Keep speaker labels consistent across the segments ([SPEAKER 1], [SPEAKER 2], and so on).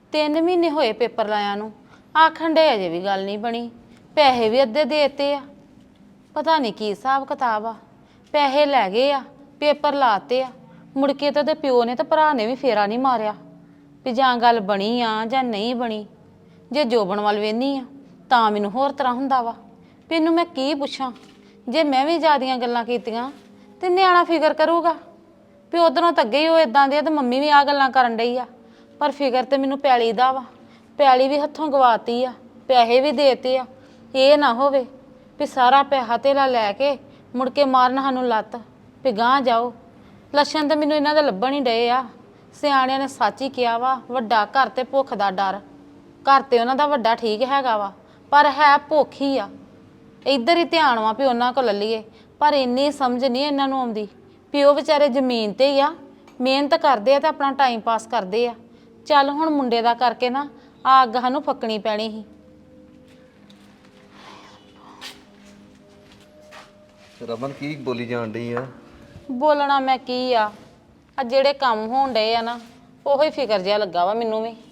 [SPEAKER 1] 3 ਮਹੀਨੇ ਹੋਏ ਪੇਪਰ ਲਾਇਆ ਨੂੰ, ਆਖਣ ਡੇ ਅਜੇ ਵੀ ਗੱਲ ਨਹੀਂ ਬਣੀ। ਪੈਸੇ ਵੀ ਅੱਧੇ ਦੇਤੇ ਆ। ਪਤਾ ਨਹੀਂ ਕੀ ਹਿਸਾਬ ਕਿਤਾਬ ਆ। ਪੈਸੇ ਲੈ ਗਏ ਆ, ਪੇਪਰ ਲਾਤੇ ਆ, ਮੁੜ ਕੇ ਤਾਂ ਉਹਦੇ ਪਿਓ ਨੇ ਤੇ ਭਰਾ ਨੇ ਵੀ ਫੇਰਾ ਨਹੀਂ ਮਾਰਿਆ ਵੀ ਜਾਂ ਗੱਲ ਬਣੀ ਆ ਜਾਂ ਨਹੀਂ ਬਣੀ। ਜੇ ਜੋਬਨ ਵੱਲ ਵੇਹਨੀ ਆ ਤਾਂ ਮੈਨੂੰ ਹੋਰ ਤਰ੍ਹਾਂ ਹੁੰਦਾ ਵਾ ਵੀ ਇਹਨੂੰ ਮੈਂ ਕੀ ਪੁੱਛਾਂ। ਜੇ ਮੈਂ ਵੀ ਜ਼ਿਆਦੀਆਂ ਗੱਲਾਂ ਕੀਤੀਆਂ ਤੇ ਨਿਆਣਾ ਫਿਕਰ ਕਰੂਗਾ ਵੀ ਉਧਰੋਂ ਤਾਂ ਅੱਗੇ ਹੀ ਉਹ ਇਦਾਂ ਦੇ ਆ ਤੇ ਮੰਮੀ ਵੀ ਆ ਗੱਲਾਂ ਕਰਨ ਡਈ ਆ। ਪਰ ਫਿਕਰ ਤੇ ਮੈਨੂੰ ਪੈਲੀ ਦਾ ਵਾ। ਪੈਲੀ ਵੀ ਹੱਥੋਂ ਗਵਾਤੀ ਆ, ਪੈਸੇ ਵੀ ਦੇਤੇ ਆ। ਇਹ ਨਾ ਹੋਵੇ ਵੀ ਸਾਰਾ ਪੈਸਾ ਧੇਲਾ ਲੈ ਕੇ ਮੁੜ ਕੇ ਮਾਰਨ ਸਾਨੂੰ ਲੱਤ ਵੀ ਗਾਂਹ ਜਾਓ। ਲੱਛਣ ਤਾਂ ਮੈਨੂੰ ਇਹਨਾਂ ਦੇ ਲੱਭਣ ਹੀ ਡਏ ਆ। ਸਿਆਣਿਆਂ ਨੇ ਸੱਚ ਹੀ ਕਿਹਾ ਵਾ, ਵੱਡਾ ਘਰ ਤੇ ਭੁੱਖ ਦਾ ਡਰ। ਘਰ ਤੇ ਉਹਨਾਂ ਦਾ ਵੱਡਾ ਠੀਕ ਹੈਗਾ ਵਾ, ਪਰ ਹੈ ਭੁੱਖ ਹੀ ਆ। ਇੱਧਰ ਹੀ ਧਿਆਨ ਵਾ ਵੀ ਉਹਨਾਂ ਕੋਲ ਲੱਲੀਏ, ਪਰ ਇੰਨੀ ਸਮਝ ਨਹੀਂ ਇਹਨਾਂ ਨੂੰ ਆਉਂਦੀ ਵੀ ਉਹ ਵਿਚਾਰੇ ਜ਼ਮੀਨ ਤੇ ਹੀ ਆ, ਮਿਹਨਤ ਕਰਦੇ ਆ ਤੇ ਆਪਣਾ ਟਾਈਮ ਪਾਸ ਕਰਦੇ ਆ। ਚੱਲ ਹੁਣ ਮੁੰਡੇ ਦਾ ਕਰਕੇ ਨਾ ਆ ਅੱਗ ਸਾਨੂੰ ਫੱਕਣੀ ਪੈਣੀ ਸੀ।
[SPEAKER 2] ਰਮਨ ਕੀ ਬੋਲੀ ਜਾਣ ਡਈ ਆ?
[SPEAKER 1] ਬੋਲਣਾ ਮੈਂ ਕੀ ਆ ਜਿਹੜੇ ਕੰਮ ਹੋਣ ਡਏ ਆ ਨਾ, ਉਹੋ ਹੀ ਫਿਕਰ ਜਿਹਾ ਲੱਗਾ ਵਾ ਮੈਨੂੰ ਵੀ।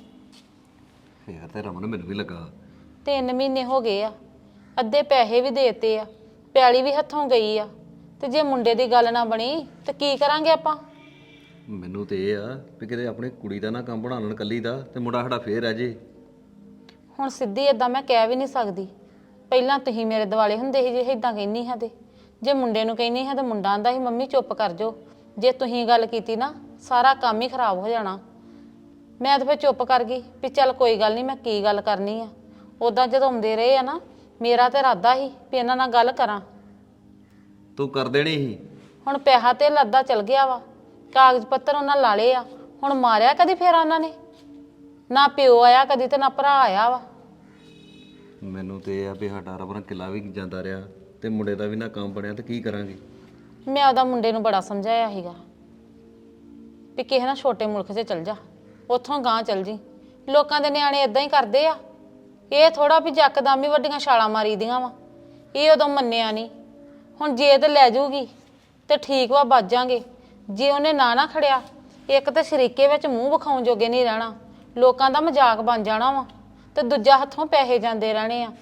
[SPEAKER 2] ਫੇਰ ਤੇ ਰਮਨ ਮੈਨੂੰ ਵੀ ਲੱਗਾ।
[SPEAKER 1] 3 ਮਹੀਨੇ ਹੋ ਗਏ ਆ, ਅੱਧੇ ਪੈਸੇ ਵੀ ਦੇਤੇ ਆ, ਪੈਲੀ ਵੀ ਹੱਥੋਂ ਗਈ ਆ। ਤੇ ਜੇ ਮੁੰਡੇ ਦੀ ਗੱਲ ਨਾ ਬਣੀ ਤੇ ਕੀ ਕਰਾਂਗੇ ਆਪਾਂ?
[SPEAKER 2] ਮੈਨੂੰ ਤੇ ਇਹ ਆ ਵੀ ਕਿਤੇ ਆਪਣੀ ਕੁੜੀ ਦਾ ਨਾ ਕੰਮ ਬਣਾ ਲੈਣ ਕੱਲੀ ਦਾ ਤੇ ਮੁੰਡਾ ਸਾਡਾ ਫੇਰ ਰਹਿ ਜੇ।
[SPEAKER 1] ਹੁਣ ਸਿੱਧੀ ਏਦਾਂ ਮੈਂ ਕਹਿ ਵੀ ਨਹੀਂ ਸਕਦੀ। ਪਹਿਲਾਂ ਤੁਸੀਂ ਮੇਰੇ ਦਿਵਾਲੇ ਹੁੰਦੇ ਸੀ ਜੇ ਏਦਾਂ ਕਹਿੰਦੀ ਹਾਂ ਤੇ ਜੇ ਮੁੰਡੇ ਨੂੰ ਕਹਿੰਦੀ ਹਾਂ ਤੇ ਮੁੰਡਾ ਆਂਦਾ ਸੀ ਮੰਮੀ ਚੁੱਪ ਕਰ ਜਾਓ, ਜੇ ਤੁਸੀਂ ਗੱਲ ਕੀਤੀ ਨਾ ਸਾਰਾ ਕੰਮ ਹੀ ਖਰਾਬ ਹੋ ਜਾਣਾ। ਮੈਂ ਤਾਂ ਫਿਰ ਚੁੱਪ ਕਰ ਗਈ ਵੀ ਚੱਲ ਕੋਈ ਗੱਲ ਨਹੀਂ, ਮੈਂ ਕੀ ਗੱਲ ਕਰਨੀ ਆ। ਉੱਦਾਂ ਜਦੋਂ ਆਉਂਦੇ ਰਹੇ ਆ ਨਾ, ਮੇਰਾ ਤਾਂ ਇਰਾਦਾ ਸੀ ਵੀ ਇਹਨਾਂ ਨਾਲ ਗੱਲ ਕਰਾਂ।
[SPEAKER 2] ਤੂੰ ਕਰ ਦੇਣੀ ਸੀ।
[SPEAKER 1] ਹੁਣ ਪੈਸਾ ਤੇ ਲੱਦਾ ਚਲ ਗਿਆ ਵਾ, ਕਾਗਜ਼ ਪੱਤਰ ਉਹਨਾਂ ਲਾ ਲਏ ਆ। ਹੁਣ ਮਾਰਿਆ ਕਦੀ ਫੇਰ ਉਹਨਾਂ ਨੇ? ਨਾ ਪਿਓ ਆਇਆ ਕਦੀ ਤੇ ਨਾ ਭਰਾ ਆਇਆ ਵਾ।
[SPEAKER 2] ਮੈਨੂੰ ਤੇ ਇਹ ਆ ਵੀ ਸਾਡਾ ਰਮਨ ਕਿੱਲਾ ਵੀ ਜਾਂਦਾ ਰਿਹਾ ਤੇ ਮੁੰਡੇ ਦਾ ਵੀ ਨਾ ਕੰਮ ਬਣਿਆ ਤੇ ਕੀ ਕਰਾਂਗੇ?
[SPEAKER 1] ਮੈਂ ਉਹਦਾ ਮੁੰਡੇ ਨੂੰ ਬੜਾ ਸਮਝਾਇਆ ਸੀਗਾ ਵੀ ਕਿਸੇ ਨਾ ਛੋਟੇ ਮੁਲਕ 'ਚ ਚਲ ਜਾ, ਉੱਥੋਂ ਗਾਂਹ ਚਲ ਜੀ। ਲੋਕਾਂ ਦੇ ਨਿਆਣੇ ਇਦਾਂ ਹੀ ਕਰਦੇ ਆ। ਇਹ ਥੋੜਾ ਵੀ ਜੱਕਦਮ ਹੀ ਵੱਡੀਆਂ ਛਾਲਾਂ ਮਾਰੀ ਦੀਆਂ ਵਾ। ਇਹ ਉਦੋਂ ਮੰਨਿਆ ਨਹੀਂ। ਹੁਣ ਜੇ ਤੇ ਲੈ ਜਾਊਗੀ ਤੇ ਠੀਕ ਵਾ, ਬਚ ਜਾਾਂਗੇ। ਜੇ ਉਹਨੇ ਨਾ ਖੜਿਆ, ਇੱਕ ਤਾਂ ਸ਼ਰੀਕੇ ਵਿੱਚ ਮੂੰਹ ਵਿਖਾਉਣ ਜੋਗੇ ਨਹੀਂ ਰਹਿਣਾ, ਲੋਕਾਂ ਦਾ ਮਜ਼ਾਕ ਬਣ ਜਾਣਾ ਵਾ, ਤੇ ਦੂਜਾ ਹੱਥੋਂ ਪੈਸੇ ਜਾਂਦੇ ਰਹਿਣੇ ਆ।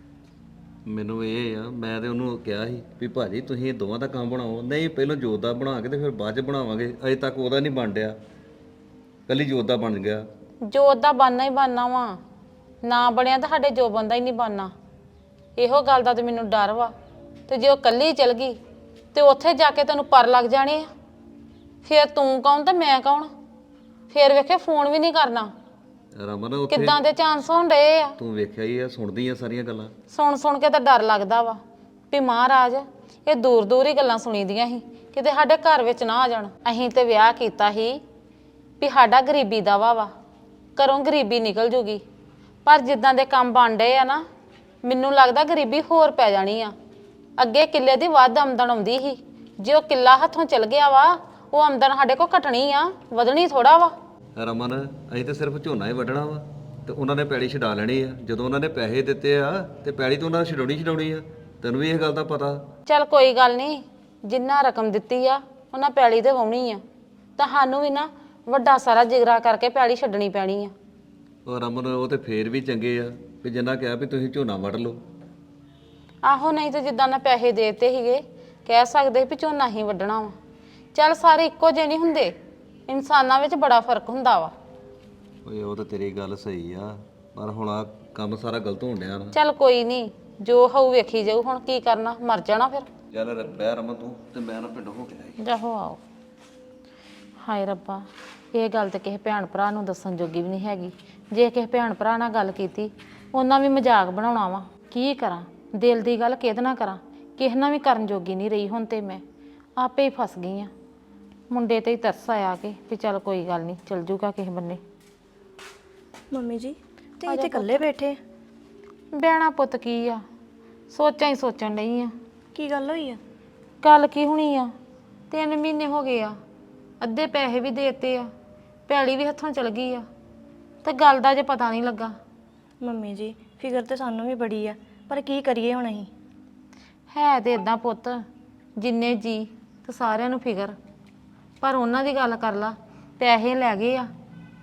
[SPEAKER 2] ਮੈਨੂੰ ਇਹ ਆ, ਮੈਂ ਤੇ ਉਹਨੂੰ ਕਿਹਾ ਸੀ ਵੀ ਭਾਜੀ ਤੁਸੀਂ ਇਹ ਦੋਵਾਂ ਦਾ ਕੰਮ ਬਣਾਓ। ਨਹੀਂ ਪਹਿਲਾਂ ਜੋਤ ਦਾ ਬਣਾ ਕੇ ਤੇ ਫਿਰ ਬਾਅਦ 'ਚ ਬਣਾਵਾਂਗੇ। ਅਜੇ ਤੱਕ ਉਹਦਾ ਨਹੀਂ ਬਣ ਡਿਆ, ਕੱਲੀ ਜੋਤ ਦਾ ਬਣ ਗਿਆ।
[SPEAKER 1] ਜੋਤ ਦਾ ਬਣਨਾ ਹੀ ਬਣਨਾ ਵਾ, ਨਾ ਬਣਿਆ ਤਾਂ ਸਾਡੇ ਜੋਬਨ ਦਾ ਹੀ ਨਹੀਂ ਬਣਨਾ। ਇਹੋ ਗੱਲ ਦਾ ਤੇ ਮੈਨੂੰ ਡਰ ਵਾ। ਤੇ ਜੇ ਉਹ ਕੱਲੀ ਚਲ ਗਈ ਤੇ ਉੱਥੇ ਜਾ ਕੇ ਤੈਨੂੰ ਪਰ ਲੱਗ ਜਾਣੇ ਆ। ਫਿਰ ਤੂੰ ਕੌਣ ਤੇ ਮੈਂ ਕੌਣ? ਫਿਰ ਵੇਖੇ ਫੋਨ ਵੀ ਨਹੀਂ ਕਰਨਾ।
[SPEAKER 2] ਰਮਨ ਉੱਥੇ
[SPEAKER 1] ਕਿੱਦਾਂ ਦੇ ਚਾਂਸ ਹੋਣ ਡਏ ਆ।
[SPEAKER 2] ਤੂੰ ਵੇਖਿਆ ਹੀ ਆ, ਸੁਣਦੀ ਆ ਸਾਰੀਆਂ ਗੱਲਾਂ।
[SPEAKER 1] ਸੁਣ ਕੇ ਤਾਂ ਡਰ ਲੱਗਦਾ ਵਾ ਵੀ ਮਹਾਰਾਜ ਇਹ ਦੂਰ ਦੂਰ ਹੀ ਗੱਲਾਂ ਸੁਣੀਦੀਆਂ ਸੀ, ਕਿਤੇ ਸਾਡੇ ਘਰ ਵਿੱਚ ਨਾ ਆ ਜਾਣ। ਅਸੀਂ ਤੇ ਵਿਆਹ ਕੀਤਾ ਸੀ ਵੀ ਸਾਡਾ ਗਰੀਬੀ ਦਾ ਵਾ ਘਰੋਂ ਗਰੀਬੀ ਨਿਕਲ ਜੂਗੀ। ਪਰ ਜਿੱਦਾਂ ਦੇ ਕੰਮ ਬਣ ਡਏ ਆ ਨਾ, ਮੈਨੂੰ ਲੱਗਦਾ ਗਰੀਬੀ ਹੋਰ ਪੈ ਜਾਣੀ ਆ। ਅੱਗੇ ਕਿੱਲੇ ਦੀ ਵੱਧ ਆਮਦਨ ਆਉਂਦੀ ਸੀ, ਜੇ ਉਹ ਕਿੱਲਾ ਹੱਥੋਂ ਚਲ ਗਿਆ ਵਾ, ਉਹ ਆਮਦਨ ਸਾਡੇ ਕੋਲ ਘਟਣੀ ਆ, ਵਧਣੀ ਥੋੜਾ ਵਾ।
[SPEAKER 2] ਰਮਨ ਅਸੀਂ ਤਾਂ ਸਿਰਫ ਝੋਨਾ ਹੀ ਵੱਢਣਾ ਵਾ ਤੇ ਉਹਨਾਂ ਨੇ ਪੈਲੀ ਛਡਾ ਲੈਣੀ ਆ। ਜਦੋਂ ਉਹਨਾਂ ਨੇ ਪੈਸੇ ਦਿੱਤੇ ਆ ਤੇ ਪੈਲੀ ਤੋਂ ਉਹਨਾਂ ਛਡਾਉਣੀ ਆ। ਤੈਨੂੰ ਵੀ ਇਹ ਗੱਲ ਦਾ ਪਤਾ।
[SPEAKER 1] ਚੱਲ ਕੋਈ ਗੱਲ ਨਹੀਂ, ਜਿੰਨਾ ਰਕਮ ਦਿੱਤੀ ਆ ਉਹਨਾਂ ਪੈਲੀ ਤੇ ਵਾਉਣੀ ਆ, ਤਾਂ ਸਾਨੂੰ ਵੀ ਨਾ ਵੱਡਾ ਸਾਰਾ ਜਿਗਰਾ ਕਰਕੇ ਪੈਲੀ ਛੱਡਣੀ ਪੈਣੀ ਆ।
[SPEAKER 2] ਉਹ ਰਮਨ ਉਹ ਤੇ ਫੇਰ ਵੀ ਚੰਗੇ ਆ ਵੀ ਜਿੰਨਾ ਕਿਹਾ ਵੀ ਤੁਸੀਂ ਝੋਨਾ ਵੱਢ ਲਓ।
[SPEAKER 1] ਆਹੋ, ਨਹੀਂ ਤੇ ਜਿੱਦਾਂ ਨਾ ਪੈਸੇ ਦੇਤੇ ਸੀਗੇ, ਕਹਿ ਸਕਦੇ ਵੀ ਝੋਨਾ ਹੀ ਵੱਢਣਾ ਵਾ। ਚੱਲ ਸਾਰੇ ਇੱਕੋ ਜਿਹੇ ਨਹੀਂ ਹੁੰਦੇ, ਇਨਸਾਨਾਂ ਵਿੱਚ ਬੜਾ ਫਰਕ ਹੁੰਦਾ ਵਾ।
[SPEAKER 2] ਓਏ ਉਹ ਤਾਂ ਤੇਰੀ ਗੱਲ ਸਹੀ ਆ, ਪਰ ਹੁਣ ਆ ਕੰਮ ਸਾਰਾ ਗਲਤ ਹੋਣ ਡਿਆ ਨਾ।
[SPEAKER 1] ਚੱਲ ਕੋਈ ਨਹੀਂ, ਜੋ ਹੋਊ ਵੇਖੀ ਜਾਊ। ਹੁਣ ਕੀ ਕਰਨਾ, ਮਰ ਜਾਣਾ ਫਿਰ।
[SPEAKER 2] ਚੱਲ ਬਹਿ ਰਮਨ ਤੂੰ ਤੇ ਮੈਂ ਨਾ ਪਿੰਡੋਂ ਹੋ ਕੇ ਆਈ।
[SPEAKER 1] ਜਾਹੋ ਆਓ। ਹਾਏ ਰੱਬਾ, ਇਹ ਗੱਲ ਤੇ ਕਿਸੇ ਭੈਣ ਭਰਾ ਨੂੰ ਦੱਸਣ ਜੋਗੀ ਵੀ ਨਹੀਂ ਹੈਗੀ। ਜੇ ਕਿਸੇ ਭੈਣ ਭਰਾ ਨਾਲ ਗੱਲ ਕੀਤੀ, ਉਹਨਾਂ ਵੀ ਮਜ਼ਾਕ ਬਣਾਉਣਾ ਵਾ। ਕੀ ਕਰਾਂ, ਦਿਲ ਦੀ ਗੱਲ ਕਿਹਦੇ ਨਾਲ ਕਰਾਂ? ਕਿਸੇ ਨਾਲ ਵੀ ਕਰਨ ਜੋਗੀ ਨਹੀਂ ਰਹੀ। ਹੁਣ ਤੇ ਮੈਂ ਆਪੇ ਹੀ ਫਸ ਗਈ ਆ। ਮੁੰਡੇ ਤੇ ਹੀ ਤਰਸ ਆਇਆ ਕਿ ਵੀ ਚੱਲ ਕੋਈ ਗੱਲ ਨਹੀਂ, ਚਲ ਜੂਗਾ ਕਿਸੇ ਬੰਨੇ।
[SPEAKER 3] ਮੰਮੀ ਜੀ ਤੇ ਇੱਥੇ ਇਕੱਲੇ ਬੈਠੇ?
[SPEAKER 1] ਬਹਿਣਾ ਪੁੱਤ ਕੀ ਆ, ਸੋਚਾਂ ਹੀ ਸੋਚਣ ਡਈ ਆ।
[SPEAKER 3] ਕੀ ਗੱਲ ਹੋਈ ਆ?
[SPEAKER 1] ਗੱਲ ਕੀ ਹੋਣੀ ਆ, 3 ਮਹੀਨੇ ਹੋ ਗਏ ਆ, ਅੱਧੇ ਪੈਸੇ ਵੀ ਦੇਤੇ ਆ, ਪੈਲੀ ਵੀ ਹੱਥੋਂ ਚਲ ਗਈ ਆ, ਤੇ ਗੱਲ ਦਾ ਜੇ ਪਤਾ ਨਹੀਂ ਲੱਗਾ।
[SPEAKER 3] ਮੰਮੀ ਜੀ ਫਿਕਰ ਤੇ ਸਾਨੂੰ ਵੀ ਬੜੀ ਆ, ਪਰ ਕੀ ਕਰੀਏ ਹੁਣ ਅਸੀਂ?
[SPEAKER 1] ਹੈ ਤੇ ਇਦਾਂ ਪੁੱਤ, ਜਿੰਨੇ ਜੀ ਤੇ ਸਾਰਿਆਂ ਨੂੰ ਫਿਕਰ, ਪਰ ਉਹਨਾਂ ਦੀ ਗੱਲ ਕਰ ਲਾ। ਪੈਸੇ ਲੈ ਗਏ ਆ,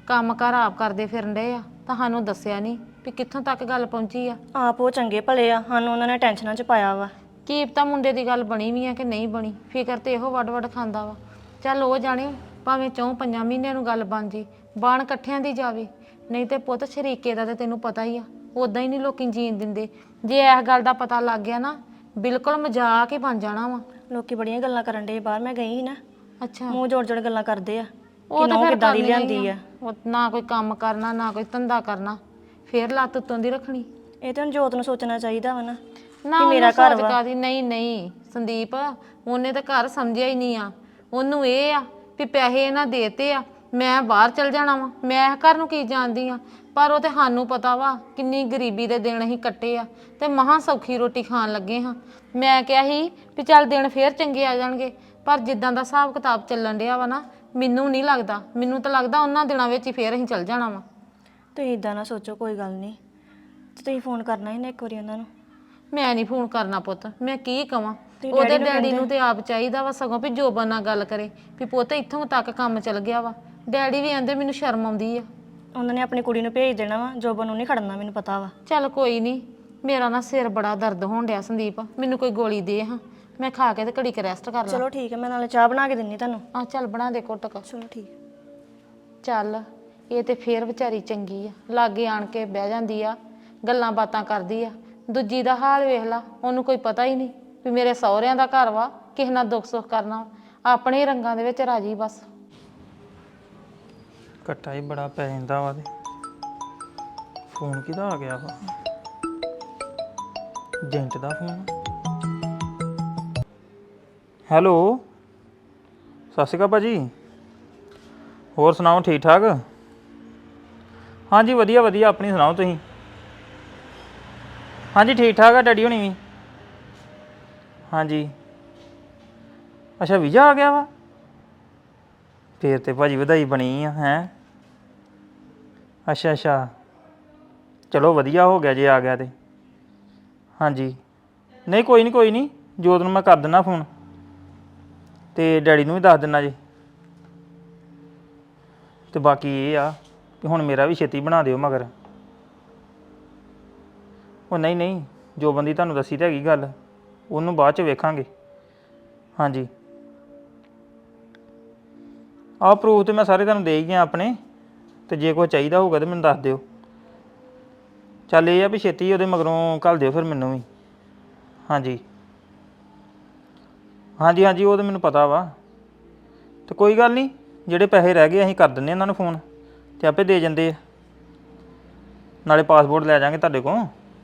[SPEAKER 1] ਕੰਮ ਕਾਰ ਆਪ ਕਰਦੇ ਫਿਰਨ ਡਏ ਆ, ਤੁਹਾਨੂੰ ਦੱਸਿਆ ਨਹੀਂ ਵੀ ਕਿੱਥੋਂ ਤੱਕ ਗੱਲ ਪਹੁੰਚੀ ਆ।
[SPEAKER 3] ਆਪ ਉਹ ਚੰਗੇ ਭਲੇ ਆ, ਸਾਨੂੰ ਉਹਨਾਂ ਨੇ ਟੈਨਸ਼ਨਾਂ 'ਚ ਪਾਇਆ ਵਾ।
[SPEAKER 1] ਕੀ ਪਤਾ ਮੁੰਡੇ ਦੀ ਗੱਲ ਬਣੀ ਵੀ ਆ ਕਿ ਨਹੀਂ ਬਣੀ, ਫਿਕਰ ਤੇ ਇਹੋ ਵੱਡ ਵੱਡ ਖਾਂਦਾ ਵਾ। ਚੱਲ ਉਹ ਜਾਣੇ, ਭਾਵੇਂ 4-5 ਮਹੀਨਿਆਂ ਨੂੰ ਗੱਲ ਬਣ ਜੇ, ਬਾਣ ਇਕੱਠਿਆਂ ਦੀ ਜਾਵੇ। ਨਹੀਂ ਤੇ ਪੁੱਤ ਸ਼ਰੀਕੇ ਦਾ ਤੇ ਤੈਨੂੰ ਪਤਾ ਹੀ ਆ, ਉਦਾਂ ਹੀ ਨਹੀਂ ਲੋਕੀ ਜੀਣ ਦਿੰਦੇ। ਜੇ ਇਸ ਗੱਲ ਦਾ ਪਤਾ ਲੱਗ ਗਿਆ ਨਾ, ਬਿਲਕੁਲ ਮਜ਼ਾਕ ਹੀ ਬਣ ਜਾਣਾ ਵਾ।
[SPEAKER 3] ਲੋਕੀ ਬੜੀਆਂ ਗੱਲਾਂ ਕਰਨ ਡੇ ਬਾਹਰ, ਮੈਂ ਗਈ ਸੀ ਨਾ,
[SPEAKER 1] ਅੱਛਾ,
[SPEAKER 3] ਮੂੰਹ ਜੋੜ ਜੋੜ ਗੱਲਾਂ ਕਰਦੇ ਆ
[SPEAKER 1] ਉਹ
[SPEAKER 3] ਕਿ
[SPEAKER 1] ਤਾਂ
[SPEAKER 3] ਨਹੁੰ
[SPEAKER 1] ਫਿਰ
[SPEAKER 3] ਕਿੱਦਾਂ ਦੀ
[SPEAKER 1] ਕਰਨੀਆਂ
[SPEAKER 3] ਲਿਆਂਦੀ
[SPEAKER 1] ਹੀ
[SPEAKER 3] ਆ।
[SPEAKER 1] ਉਹ ਨਾ ਕੋਈ ਕੰਮ ਕਰਨਾ, ਨਾ ਕੋਈ ਧੰਦਾ ਕਰਨਾ, ਫੇਰ ਲੱਤ ਉੱਤੋਂ ਦੀ ਰੱਖਣੀ।
[SPEAKER 3] ਇਹ ਤਾਂ ਹੁਣ ਜੋਤ ਨੂੰ ਸੋਚਣਾ ਚਾਹੀਦਾ ਵਾ ਨਾ
[SPEAKER 1] ਨਾ
[SPEAKER 3] ਕਿ ਮੇਰਾ
[SPEAKER 1] ਉਹਨੂੰ
[SPEAKER 3] ਘਰ
[SPEAKER 1] ਸੋਚ
[SPEAKER 3] ਵਾ।
[SPEAKER 1] ਕਾਦੀ, ਨਹੀਂ ਨਹੀਂ ਸੰਦੀਪ, ਉਹਨੇ ਤਾਂ ਘਰ ਸਮਝਿਆ ਹੀ ਨਹੀਂ ਆ। ਉਹਨੂੰ ਇਹ ਆ ਵੀ ਪੈਸੇ ਇਹਨਾਂ ਦੇਤੇ ਆ, ਮੈਂ ਬਾਹਰ ਚਲ ਜਾਣਾ ਵਾ, ਮੈਂ ਘਰ ਨੂੰ ਕੀ ਜਾਣਦੀ ਆ। ਪਰ ਉਹ ਤੇ ਸਾਨੂੰ ਪਤਾ ਵਾ ਕਿੰਨੀ ਗਰੀਬੀ ਦੇ ਦਿਨ ਅਸੀਂ ਕੱਟੇ ਆ, ਤੇ ਮਹਾਂ ਸੌਖੀ ਰੋਟੀ ਖਾਣ ਲੱਗੇ ਹਾਂ। ਮੈਂ ਕਿਹਾ ਸੀ ਵੀ ਚੱਲ ਦਿਨ ਫੇਰ ਚੰਗੇ ਆ ਜਾਣਗੇ, ਪਰ ਜਿੱਦਾਂ ਦਾ ਹਿਸਾਬ ਕਿਤਾਬ ਚੱਲਣ ਡਿਆ ਵਾ ਨਾ, ਮੈਨੂੰ ਨਹੀਂ ਲੱਗਦਾ। ਮੈਨੂੰ ਤਾਂ ਲੱਗਦਾ ਉਹਨਾਂ ਦਿਨਾਂ ਵਿੱਚ ਹੀ ਫੇਰ ਅਸੀਂ ਚੱਲ ਜਾਣਾ ਵਾ।
[SPEAKER 3] ਤੁਸੀਂ ਇਦਾਂ ਨਾ ਸੋਚੋ, ਕੋਈ ਗੱਲ ਨਹੀਂ। ਤੇ ਤੁਸੀਂ ਫੋਨ ਕਰਨਾ ਸੀ ਨਾ ਇੱਕ ਵਾਰੀ ਉਹਨਾਂ ਨੂੰ।
[SPEAKER 1] ਮੈਂ ਨਹੀਂ ਫੋਨ ਕਰਨਾ ਪੁੱਤ, ਮੈਂ ਕੀ ਕਵਾਂ।
[SPEAKER 3] ਤੁਸੀਂ
[SPEAKER 1] ਉਹਦੇ
[SPEAKER 3] ਡੈਡੀ ਨੂੰ
[SPEAKER 1] ਡੈਡੀ ਨੂੰ ਤੇ ਆਪ ਚਾਹੀਦਾ ਵਾ ਸਗੋਂ ਵੀ ਜੋਬਨ ਨਾਲ ਗੱਲ ਕਰੇ ਵੀ ਪੁੱਤ ਇੱਥੋਂ ਤੱਕ ਕੰਮ ਚੱਲ ਗਿਆ ਵਾ। ਡੈਡੀ ਵੀ ਆਂਦੇ ਮੈਨੂੰ ਸ਼ਰਮ ਆਉਂਦੀ ਆ।
[SPEAKER 3] ਉਹਨਾਂ ਨੇ ਆਪਣੀ ਕੁੜੀ ਨੂੰ ਭੇਜ ਦੇਣਾ ਵਾ, ਜੋਬਨ ਨੂੰ ਨਹੀਂ ਖੜਨਾ, ਮੈਨੂੰ ਪਤਾ ਵਾ।
[SPEAKER 1] ਚੱਲ ਕੋਈ ਨਹੀਂ, ਮੇਰਾ ਨਾ ਸਿਰ ਬੜਾ ਦਰਦ ਹੋਣ ਡਿਆ ਸੰਦੀਪ, ਮੈਨੂੰ ਕੋਈ ਗੋਲੀ ਦੇ ਹਾਂ, ਮੈਂ ਖਾ ਕੇ ਤੇ ਘੜੀ ਕ ਰੈਸਟ ਕਰ ਲਾਂ।
[SPEAKER 3] ਚਲੋ ਠੀਕ ਹੈ, ਮੈਂ ਨਾਲੇ ਚਾਹ ਬਣਾ ਕੇ ਦਿੰਨੀ ਤੁਹਾਨੂੰ।
[SPEAKER 1] ਆ ਚੱਲ ਬਣਾ ਦੇ ਘੁੱਟ ਕ।
[SPEAKER 3] ਚਲੋ ਠੀਕ।
[SPEAKER 1] ਚੱਲ ਇਹ ਤੇ ਫੇਰ ਵਿਚਾਰੀ ਚੰਗੀ ਆ, ਲਾਗੇ ਆਣ ਕੇ ਬਹਿ ਜਾਂਦੀ ਆ, ਗੱਲਾਂ ਬਾਤਾਂ ਕਰਦੀ ਆ। ਦੂਜੀ ਦਾ ਹਾਲ ਵੇਖ ਲਾ, ਉਹਨੂੰ ਕੋਈ ਪਤਾ ਹੀ ਨਹੀਂ ਵੀ ਮੇਰੇ ਸਹੁਰਿਆਂ ਦਾ ਘਰ ਵਾ, ਕਿਸੇ ਨਾਲ ਦੁੱਖ ਸੁੱਖ ਕਰਨਾ, ਆਪਣੇ ਰੰਗਾਂ ਦੇ ਵਿੱਚ ਰਾਜੀ ਬਸ।
[SPEAKER 4] ਘੱਟਾ ਹੀ ਬੜਾ ਪੈ ਜਾਂਦਾ ਵਾ। ਤੇ ਫੋਨ ਕਿਹਦਾ ਆ ਗਿਆ ਵਾ? ਏਜੰਟ ਦਾ ਫੋਨ। ਹੈਲੋ, ਸਤਿ ਸ਼੍ਰੀ ਅਕਾਲ ਭਾਜੀ। ਹੋਰ ਸੁਣਾਓ, ਠੀਕ ਠਾਕ? ਹਾਂਜੀ ਵਧੀਆ ਵਧੀਆ, ਆਪਣੀ ਸੁਣਾਓ ਤੁਸੀਂ? ਹਾਂਜੀ ਠੀਕ ਠਾਕ ਆ, ਡੈਡੀ ਹੋਣੀ ਵੀ। ਹਾਂਜੀ, ਅੱਛਾ ਵੀਜ਼ਾ ਆ ਗਿਆ ਵਾ? ਫੇਰ ਤੇ ਭਾਜੀ ਵਧਾਈ ਬਣੀ ਆ। ਹੈਂ, ਅੱਛਾ ਅੱਛਾ, ਚਲੋ ਵਧੀਆ ਹੋ ਗਿਆ ਜੇ ਆ ਗਿਆ ਤੇ। ਹਾਂਜੀ, ਨਹੀਂ ਕੋਈ ਨਹੀਂ ਕੋਈ ਨਹੀਂ, ਜੋਤ ਨੂੰ ਮੈਂ ਕਰ ਦਿੰਦਾ ਫੋਨ, ਤੇ ਡੈਡੀ ਨੂੰ ਵੀ ਦੱਸ ਦਿੰਦਾ ਜੀ। ਤੇ ਬਾਕੀ ਇਹ ਆ ਕਿ ਹੁਣ ਮੇਰਾ ਵੀ ਛੇਤੀ ਬਣਾ ਦਿਓ ਮਗਰ। ਉਹ ਨਹੀਂ ਨਹੀਂ, ਜੋ ਬੰਦੀ ਤੁਹਾਨੂੰ ਦੱਸੀ ਤਾਂ ਹੈਗੀ ਗੱਲ, ਉਹਨੂੰ ਬਾਅਦ 'ਚ ਵੇਖਾਂਗੇ। ਹਾਂਜੀ, ਆਹ ਪ੍ਰੂਫ ਤੇ ਮੈਂ ਸਾਰੇ ਤੁਹਾਨੂੰ ਦੇ ਹੀ ਗਿਆ ਆਪਣੇ, ਤੇ ਜੇ ਕੋਈ ਚਾਹੀਦਾ ਹੋਊਗਾ ਤਾਂ ਮੈਨੂੰ ਦੱਸ ਦਿਓ। ਚੱਲ ਇਹ ਆ ਵੀ ਛੇਤੀ ਉਹਦੇ ਮਗਰੋਂ ਘੱਲ ਦਿਓ ਫਿਰ ਮੈਨੂੰ ਵੀ। ਹਾਂਜੀ ਹਾਂਜੀ ਹਾਂਜੀ, ਉਹ ਤਾਂ ਮੈਨੂੰ ਪਤਾ ਵਾ। ਤੇ ਕੋਈ ਗੱਲ ਨਹੀਂ, ਜਿਹੜੇ ਪੈਸੇ ਰਹਿ ਗਏ ਅਸੀਂ ਕਰ ਦਿੰਦੇ ਉਹਨਾਂ ਨੂੰ ਫੋਨ, ਤੇ ਆਪੇ ਦੇ ਜਾਂਦੇ ਆ। ਨਾਲੇ ਪਾਸਪੋਰਟ ਲੈ ਜਾਵਾਂਗੇ ਤੁਹਾਡੇ ਕੋਲ।